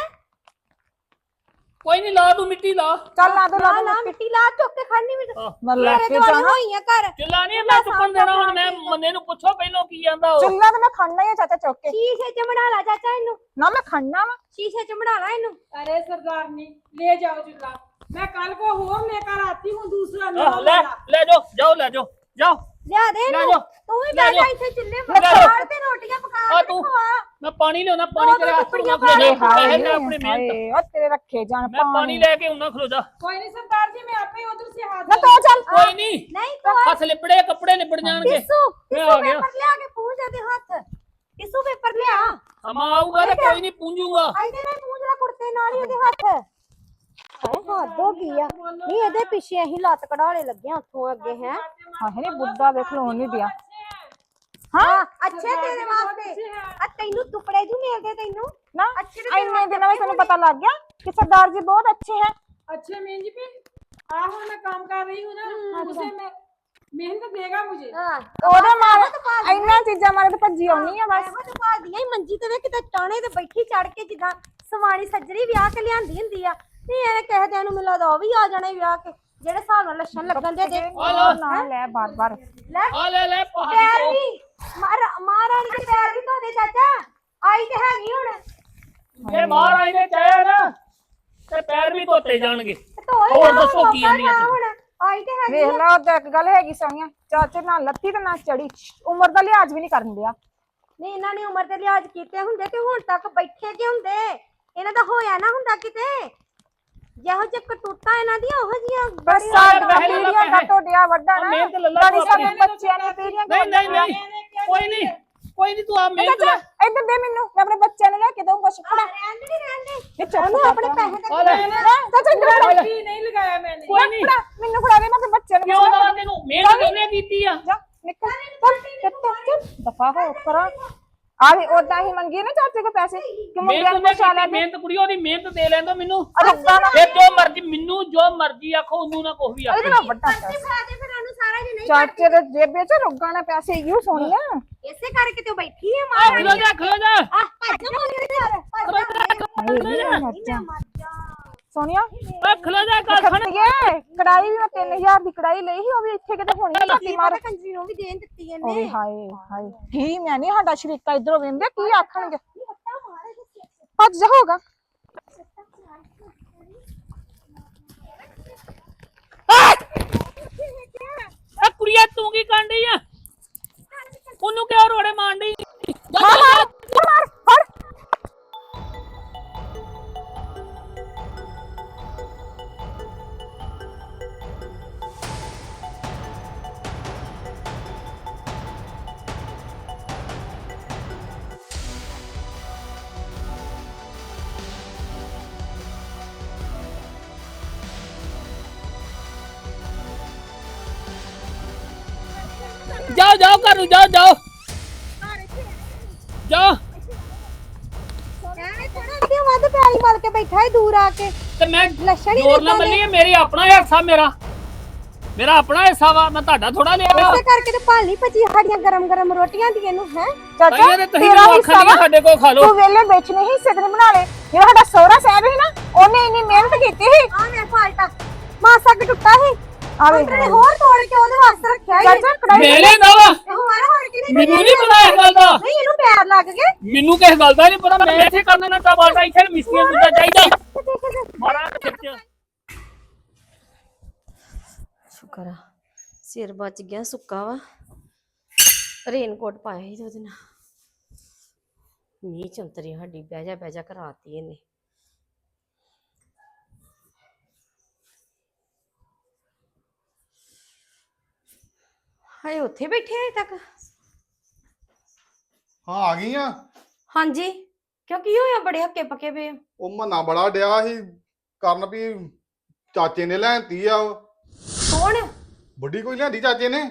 [SPEAKER 1] ਕੋਈ ਨਹੀਂ, ਲਾ ਤੂੰ ਮਿੱਟੀ ਲਾ।
[SPEAKER 5] चल ला दो ला
[SPEAKER 6] ਲਾ
[SPEAKER 5] दो
[SPEAKER 6] ਲਾ
[SPEAKER 5] मिट्टी।
[SPEAKER 6] ਮਿੱਟੀ ਲਾ ਚੁੱਕ ਕੇ ਖੜਨੀ ਵੀ
[SPEAKER 1] ਆਹ,
[SPEAKER 5] मैं
[SPEAKER 1] ਲੈ।
[SPEAKER 5] लेके
[SPEAKER 6] ਦੁਆਲੇ
[SPEAKER 5] जाना
[SPEAKER 6] ਹੋਈਆਂ ਘਰ।
[SPEAKER 1] ਚੁੱਲਾ ਨਹੀਂ ਮੈਂ ਚੁੱਕਣ ਦੇਣਾ, ਹੁਣ ਮੈਂ ਮੰਨੇ ਨੂੰ ਪੁੱਛੋ ਪਹਿਲਾਂ ਕੀ ਜਾਂਦਾ ਉਹ।
[SPEAKER 5] चुल्ला तो मैं खड़ना ही है चाचा चौक के
[SPEAKER 6] ਸ਼ੀਸ਼ੇ ਚ ਬਣਾ ਲਾ ਚਾਚਾ ਇਹਨੂੰ,
[SPEAKER 5] ना, मैं खड़ना वा।
[SPEAKER 6] ਸ਼ੀਸ਼ੇ ਚ ਬਣਾ ਲਾ ਇਹਨੂੰ।
[SPEAKER 2] अरे सरदारनी ले जाओ चूल्हा, मैं कल को और लेकर आती हूँ दूसरा
[SPEAKER 1] ਆਹ,
[SPEAKER 2] नया
[SPEAKER 1] ਲੈ
[SPEAKER 2] वाला।
[SPEAKER 1] ਲੈ ਜਾਓ, ਜਾਓ ਲੈ ਜਾਓ, ਜਾਓ।
[SPEAKER 6] ਲਿਆ ਦੇ
[SPEAKER 1] ਲੈ
[SPEAKER 6] ਇਹਨੂੰ।
[SPEAKER 1] ਜਾਓ,
[SPEAKER 6] ਤੂੰ ਵੀ
[SPEAKER 1] ਲੈ
[SPEAKER 6] ਬੈਠਾ
[SPEAKER 1] ਜਾਓ।
[SPEAKER 6] ਇੱਥੇ ਚੁੱਲ੍ਹੇ
[SPEAKER 1] ਲੈ ਜਾਓ।
[SPEAKER 6] ਪਕਾ ਤੇ ਰੋਟੀਆਂ ਪਕਾ
[SPEAKER 1] ਆ
[SPEAKER 6] ਕੇ
[SPEAKER 1] ਤੂੰ।
[SPEAKER 6] ਖਵਾ।
[SPEAKER 1] ਮੈਂ ਪਾਣੀ ਲਿਆਉਣਾ, ਪਾਣੀ
[SPEAKER 6] ਦੋ
[SPEAKER 1] ਤੇਰੇ ਹੱਥ
[SPEAKER 6] ਟੁਕੜੀਆਂ
[SPEAKER 1] ਨਾਲ ਖਲੋ ਜਾ।
[SPEAKER 6] ਪਾ
[SPEAKER 1] ਪੈਸੇ
[SPEAKER 5] हाय
[SPEAKER 1] ਲੈ ਆਪਣੀ ਮਿਹਨਤ।
[SPEAKER 5] हाय, ओ तेरे रखे जान
[SPEAKER 1] ਮੈਂ ਪਾਣੀ ਲੈ ਕੇ ਉਹਨਾਂ ਖਲੋ ਜਾ।
[SPEAKER 2] कोई नहीं सरदार जी, मैं आपे उधर से हाथ
[SPEAKER 5] ना तो चल।
[SPEAKER 1] ਕੋਈ ਨਹੀਂ,
[SPEAKER 6] ਨਹੀਂ ਤੂੰ
[SPEAKER 1] ਹੱਥ ਲਿਪੜੇ, ਕੱਪੜੇ ਲਿਪੜ ਜਾਣਗੇ।
[SPEAKER 6] ਟਿਸ਼ੂ
[SPEAKER 1] ਮੈਂ
[SPEAKER 6] ਟਿਸ਼ੂ
[SPEAKER 1] ਆ ਗਿਆ।
[SPEAKER 6] ਪੇਪਰ ਲਿਆ ਕੇ ਪੂੰਝ ਦੇ ਹੱਥ। ਟਿਸ਼ੂ ਪੇਪਰ ਲਿਆ।
[SPEAKER 1] ਹਮਾ ਆਊਗਾ ਤੇ ਕੋਈ ਨਹੀਂ ਪੂੰਝੂਗਾ।
[SPEAKER 6] ਇਹਦੇ ਨਾਲ ਪੂੰਝ ਲਾ ਕੁੜਤੇ ਨਾਲ ਹੀ ਉਹਦੇ ਹੱਥ। ਹਾਏ ਹੱਦ ਹੋ ਗਈ ਆ। ਨਹੀਂ ਇਹਦੇ ਪਿੱਛੇ ਅਸੀਂ ਲੱਤ ਕਢਾਲੇ ਲੱਗੇ ਆ ਉੱਥੋਂ ਅੱਗੇ ਹੈ।
[SPEAKER 5] हाय नहीं बुड्ढा देख लो नहीं दिया।
[SPEAKER 6] ਹਾਂ ਅੱਛੇ ਤੇਰੇ ਵਾਸਤੇ। ਆ ਤੈਨੂੰ ਟੁਕੜੇ ਜੂ ਮਿਲਦੇ ਤੈਨੂੰ
[SPEAKER 5] ना
[SPEAKER 6] अच्छे तो तेरे
[SPEAKER 5] इन्ने
[SPEAKER 6] हाथ
[SPEAKER 5] दिनों में
[SPEAKER 6] रखे
[SPEAKER 5] तेन पता लग गया कि सरदार जी बहुत अच्छे हैं।
[SPEAKER 2] अच्छे मेहन जी पे आहो, मैं काम कर रही हूँ ना, उसे मैं मेहनत देगा मुझे।
[SPEAKER 6] ਹਾਂ
[SPEAKER 5] ਉਹਦੇ ਮਾਰੇ ਇੰਨਾ ਚੀਜ਼ਾਂ ਮਾਰੇ ਤੇ ਭੱਜੀ ਆਉਣੀ ਆ ਬਸ।
[SPEAKER 6] ਇਹੋ ਤੇ ਭਾਲਦੀਆਂ ਹੀ ਮੰਜੀ ਤੇ ਵੇ ਕਿਤੇ ਟਾਣੇ ਤੇ ਬੈਠੀ ਚੜ ਕੇ ਜਿੱਦਾਂ ਸਵਾਣੀ ਸੱਜਰੀ ਵਿਆਹ ਕੇ ਲਿਆਂਦੀ ਹੁੰਦੀ ਆ। ਨਹੀਂ ਇਹਨੇ ਕਿਸੇ ਦਿਨ ਨੂੰ ਮੈਨੂੰ ਲੱਗਦਾ ਉਹ ਵੀ ਆ ਜਾਣੇ ਵਿਆਹ ਕੇ, ਜਿਹੜੇ ਹਿਸਾਬ ਨਾਲ ਲੱਛਣ ਲੱਗਣ ਦੇ ਦੇ।
[SPEAKER 5] ਨਾ ਲੈ ਬਾਰ ਬਾਰ।
[SPEAKER 6] ਲੈ
[SPEAKER 1] ਆ ਲੈ ਲੈ ਪਹਾੜੀ
[SPEAKER 6] ਪੈਰ
[SPEAKER 1] ਤੋਂ।
[SPEAKER 6] ਵੀ ਮਾਰ ਮਹਾਰਾਣੀ ਦੇ ਪੈਰ ਵੀ ਧੋ ਦੇ ਚਾਚਾ। ਆਈ ਤੇ ਹੈਗੀ ਹੁਣ
[SPEAKER 1] ਜੇ ਬਾਹਰ ਆਈ ਨੇ ਚਾਹਿਆ ਨਾ ਤੇ ਪੈਰ ਵੀ ਧੋਤੇ ਜਾਣਗੇ।
[SPEAKER 6] ਤੇ ਧੋ ਹੀ
[SPEAKER 1] ਹੋਰ
[SPEAKER 6] ਨਾ
[SPEAKER 1] ਦੱਸੋ ਕੀ
[SPEAKER 6] ਮੌਕਾ
[SPEAKER 1] ਆਂਦੀਆਂ
[SPEAKER 6] ਨਾ
[SPEAKER 1] ਤੂੰ?
[SPEAKER 6] ਹੁਣ ਆਈ ਤੇ ਹੈਗੀ
[SPEAKER 5] ਵੇਖ ਲਾ ਉਹ ਇੱਕ ਗੱਲ ਹੈਗੀ ਸੋਨੀਆ, ਚਾਚੇ ਨਾਲ ਲੱਤੀ ਤੇ ਨਾ ਚੜੀ, ਉਮਰ ਦਾ ਲਿਹਾਜ਼ ਵੀ ਨਹੀਂ ਕਰਨ ਦਿਆ।
[SPEAKER 6] ਨਹੀਂ ਇਹਨਾਂ ਨੇ ਉਮਰ ਦੇ ਲਿਹਾਜ਼ ਕੀਤੇ ਹੁੰਦੇ ਤੇ ਹੁਣ ਤੱਕ ਬੈਠੇ ਕਿ ਹੁੰਦੇ। ਇਹਨਾਂ ਦਾ ਹੋਇਆ ਨਾ ਹੁੰਦਾ ਕਿਤੇ। ਜਿਹੋ ਜਿਹੇ ਕਟੂਤਾ ਇਹਨਾਂ ਦੀਆਂ ਉਹੋ ਜੀਆਂ
[SPEAKER 5] ਬਸ
[SPEAKER 1] ਸਾਡਾ
[SPEAKER 5] ਸਾਡਾ
[SPEAKER 1] ਪਹਿਲੇ
[SPEAKER 5] ਪੀੜੀਆਂ ਦਾ
[SPEAKER 1] ਪੈਸੇ।
[SPEAKER 5] ਟੋਡਿਆ ਵੱਡਾ
[SPEAKER 1] ਆ
[SPEAKER 5] ਨਾ
[SPEAKER 1] ਮਿਹਨਤ ਲੱਲਾ
[SPEAKER 5] ਗਾੜੀ
[SPEAKER 1] ਤੂੰ
[SPEAKER 5] ਸਾਡੇ
[SPEAKER 1] ਆਪਣੀ।
[SPEAKER 5] ਬੱਚਿਆਂ ਨੇ ਪੀੜੀਆਂ
[SPEAKER 1] ਨਹੀਂ ਨਹੀਂ ਨਹੀਂ,
[SPEAKER 2] मैंने क्या
[SPEAKER 1] ਕੋਈ ਨਹੀਂ ਕੋਈ ਨਹੀਂ ਤੂੰ ਆ
[SPEAKER 5] ਮੈਂ
[SPEAKER 1] ਮਿਹਨਤ
[SPEAKER 5] ਚਾਚਾ
[SPEAKER 1] ਲੈ
[SPEAKER 5] ਇੱਧਰ ਦੇ ਮੈਨੂੰ ਮੈਂ ਆਪਣੇ ਬੱਚਿਆਂ ਨੂੰ ਲੈ ਕੇ ਦਊਂ ਕੁਛ ਫੜਾ
[SPEAKER 6] ਰਹਿਣ ਦੇ ਰਹਿਣ ਦੇ
[SPEAKER 5] ਇਹ ਚੁੱਪ
[SPEAKER 6] ਉਹਨੂੰ ਆਪਣੇ ਪੈਸੇ
[SPEAKER 1] ਆ ਲੈ
[SPEAKER 5] ਚਾਚਾ ਇੱਧਰ ਆ ਲੈ।
[SPEAKER 2] ਕੀ ਨਹੀਂ ਲਗਾਇਆ ਮੈਨੇ
[SPEAKER 1] ਕੋਈ ਨਹੀਂ
[SPEAKER 5] ਫੜਾ ਮੈਨੂੰ ਫੜਾ ਦੇ ਮੈਂ ਆਪਣੇ ਬੱਚਿਆਂ ਨੂੰ
[SPEAKER 1] ਕਿਉਂ ਨਾ ਤੈਨੂੰ ਮਿਹਨਤ ਕਿਹਨੇ ਕੀਤੀ ਆ
[SPEAKER 5] ਜਾ ਨਿਕਲ ਚੱਲ ਚੱਲ ਚੱਲ ਦਫਾ ਹੋ ਪਰਾਂ ਆ ਵੀ ਉਦਾਂ ਹੀ ਮੰਗੀ ਨਾ ਚਾਚੇ ਕੋ ਪੈਸੇ ਕਿ ਮੁੰਡਿਆਂ ਨੂੰ
[SPEAKER 1] ਮਿਹਨਤ
[SPEAKER 5] ਪਛਾ
[SPEAKER 1] ਨੇ
[SPEAKER 5] ਲੈ
[SPEAKER 1] ਕੀਤੀ, ਮਿਹਨਤ ਕੁੜੀ ਉਹਦੀ ਮਿਹਨਤ ਦੇ ਲੈਂਦਾ ਮੈਨੂੰ
[SPEAKER 5] ਰੱਬਾ ਨਾ
[SPEAKER 1] ਇਹ ਜੋ ਮਰਜ਼ੀ ਮੈਨੂੰ ਜੋ ਮਰਜ਼ੀ ਆਖੋ ਉਹਨੂੰ ਨਾ ਕੁਛ ਵੀ
[SPEAKER 5] ਇਹਦੇ
[SPEAKER 1] ਆਖੋ
[SPEAKER 5] ਨਾਲ ਵੱਡਾ
[SPEAKER 6] ਤੇ ਫੜਾ ਦੇ ਫਿਰ ਉਹਨੂੰ ਸਾਰਾ ਜੀ ਨਹੀਂ
[SPEAKER 5] ਚਾਚੇ ਦੇ ਜੇਬੇ ਚ ਰੁੱਗਾ ਨਾ ਪੈਸੇ ਯੂ ਸੋਨੀਆ
[SPEAKER 6] ਇਸੇ ਕਰਕੇ ਤੇ ਉਹ ਬੈਠੀ ਹੈ
[SPEAKER 1] ਆ
[SPEAKER 6] ਮਾਂ
[SPEAKER 1] ਖਲੋ ਜਾ ਖਲੋ ਜਾ
[SPEAKER 6] ਆ ਭੱਜ ਮੰਗੇ ਦੇ ਘਰ ਭੱਜ ਜਾ ਮਰ ਜਾ
[SPEAKER 5] ਸੋਨੀਆ
[SPEAKER 1] ਆ ਖਲੋ ਜਾ ਗੱਲ ਸੁਣ
[SPEAKER 5] ਖੱਟੀਏ ਕੜਾਈ ਵੀ ਮੈਂ ਤਿੰਨ ਹਜ਼ਾਰ ਦੀ ਕੜਾਈ ਲਈ ਸੀ ਉਹ ਵੀ ਇੱਥੇ ਕਿਤੇ ਹੋਣੀ ਆ
[SPEAKER 6] ਕੀ
[SPEAKER 5] ਧੱਤੀ ਮਾਰ
[SPEAKER 6] ਪਤਾ ਕੰਜਰੀ ਨੂੰ ਵੀ ਦੇਣ ਦਿੱਤੀ ਇਹਨੇ
[SPEAKER 5] ਓਏ ਹਾਏ ਹਾਏ ਕੀ ਮੈਂ ਨਹੀਂ ਸਾਡਾ ਸ਼ਰੀਕਾ ਇਧਰੋਂ ਵੇਂਦੇ ਕੀ ਆਖਣਗੇ ਭੱਜ ਜਾ ਹੋਗਾ
[SPEAKER 1] ਆ ਕੁੜੀਆ ਤੂੰ ਕੀ ਕਾਂਡੀ ਆ ਉਹਨੂੰ ਕਿਉਂ ਰੋੜੇ ਮਾਰਦੀ
[SPEAKER 5] ਮਾਰ ਮਾਰ ਮਾਰ ਫੜ
[SPEAKER 1] ਜਾਓ ਜਾਓ ਘਰ ਨੂੰ ਜਾਓ ਜਾਓ ਜਾਓ
[SPEAKER 6] ਐਵੇਂ ਥੋੜਾ ਕਿ ਵੱਧ ਪਿਆਰੀ ਮਾਰ ਕੇ ਬੈਠਾ ਹੈ ਦੂਰ ਆ ਕੇ
[SPEAKER 1] ਤੇ ਮੈਂ
[SPEAKER 6] ਲੱਛਣ ਹੀ
[SPEAKER 1] ਜ਼ੋਰ ਨਾ
[SPEAKER 6] ਏਦਾਂ ਦੇ।
[SPEAKER 1] ਮੰਨੀ ਮੇਰੀ ਆਪਣਾ ਹਿੱਸਾ ਮੇਰਾ ਮੇਰਾ ਆਪਣਾ ਹਿੱਸਾ ਵਾ ਮੈਂ ਤੁਹਾਡਾ ਥੋੜਾ ਲਿਆ ਵਾ
[SPEAKER 6] ਇਸੇ ਕਰਕੇ ਤੇ ਭਾਲੀ ਭਜੀ ਸਾਡੀਆਂ ਗਰਮ ਗਰਮ ਰੋਟੀਆਂ ਦੀਆਂ ਨੂੰ ਹੈ
[SPEAKER 5] ਚਾਚਾ
[SPEAKER 1] ਤਾਈਆਂ ਤੇ ਤੁਸੀਂ
[SPEAKER 5] ਤੇਰਾ
[SPEAKER 1] ਮੈਨੂੰ
[SPEAKER 5] ਹਿੱਸਾ
[SPEAKER 1] ਆਖਣ
[SPEAKER 5] ਵਾ
[SPEAKER 1] ਸਾਡੇ ਕੋਲ ਖਾ ਲਓ
[SPEAKER 5] ਤੂੰ ਵੇਲੇ ਵੇਚਣੇ ਹੀ ਸਿੱਧੇ ਬਣਾ ਲੈ ਜਿਹੜਾ ਸਾਡਾ ਸਹੁਰਾ ਸਾਹਿਬ ਸੀ ਨਾ ਉਹਨੇ ਇੰਨੀ ਮਿਹਨਤ ਕੀਤੀ ਸੀ
[SPEAKER 6] ਆ ਮੈਂ ਫਾਲਟਾ ਮਾਸਾ ਕਿ ਟੁੱਟਾ ਸੀ
[SPEAKER 5] ਆਵੇ
[SPEAKER 6] ਉਹਨੇ ਹੋਰ ਤੋੜ ਕੇ ਉਹਦੇ ਵਾਸਤੇ ਰੱਖਿਆ ਹੀ
[SPEAKER 5] ਚਾਚਾ ਕੜਾਈ
[SPEAKER 1] ਮੇਰੇ ਨਾ ਵਾ
[SPEAKER 6] ਹੋਰ ਹੋਰ ਕਿ
[SPEAKER 1] ਮੈਨੂੰ ਨਹੀਂ ਪਤਾ ਇਸ ਗੱਲ ਦਾ
[SPEAKER 6] ਨਹੀਂ ਇਹਨੂੰ ਪੈਰ ਲੱਗ ਗਏ
[SPEAKER 1] ਮੈਨੂੰ ਕਿਸ ਗੱਲ ਦਾ ਨਹੀਂ ਪਤਾ ਮੈਂ ਇੱਥੇ ਕਰਨਾ ਨਾ ਤਾਂ ਬਾਟਾ ਇੱਥੇ ਮਿਸਤਰੀਆਂ ਨੂੰ ਚਾਹੀਦਾ ਮਾਰਾ ਖਿੱਚ
[SPEAKER 6] ਸ਼ੁਕਰ ਆ ਸਿਰ ਬਚ ਗਿਆ ਸੁੱਕਾ ਵਾ ਰੇਨਕੋਟ ਪਾਇਆ ਸੀ ਤੇ ਉਹਦੇ ਨਾਲ ਮੀਂਹ ਚੰਤਰੀ ਸਾਡੀ ਬਹਿ ਜਾ ਬਹਿ ਜਾ ਕਰਾਤੀ ਇਹਨੇ ਹਾਏ ਉੱਥੇ ਬੈਠੇ ਆ ਤੱਕ
[SPEAKER 3] ਹਾਂ ਆ ਗਈ ਆ
[SPEAKER 6] ਹਾਂਜੀ ਕਿਉਂ ਕੀ ਹੋਇਆ ਬੜੇ ਹੱਕੇ ਪੱਕੇ ਪਏ ਹੋ?
[SPEAKER 3] ਉਹ ਮਨਾ ਬੜਾ ਡਿਆ ਸੀ ਕਰਨ ਵੀ ਚਾਚੇ ਨੇ ਲੈਂਤੀ ਆ ਉਹ
[SPEAKER 6] ਕੌਣ
[SPEAKER 3] ਬੁੱਢੀ ਕੋਈ ਲਿਆਂਦੀ ਚਾਚੇ ਨੇ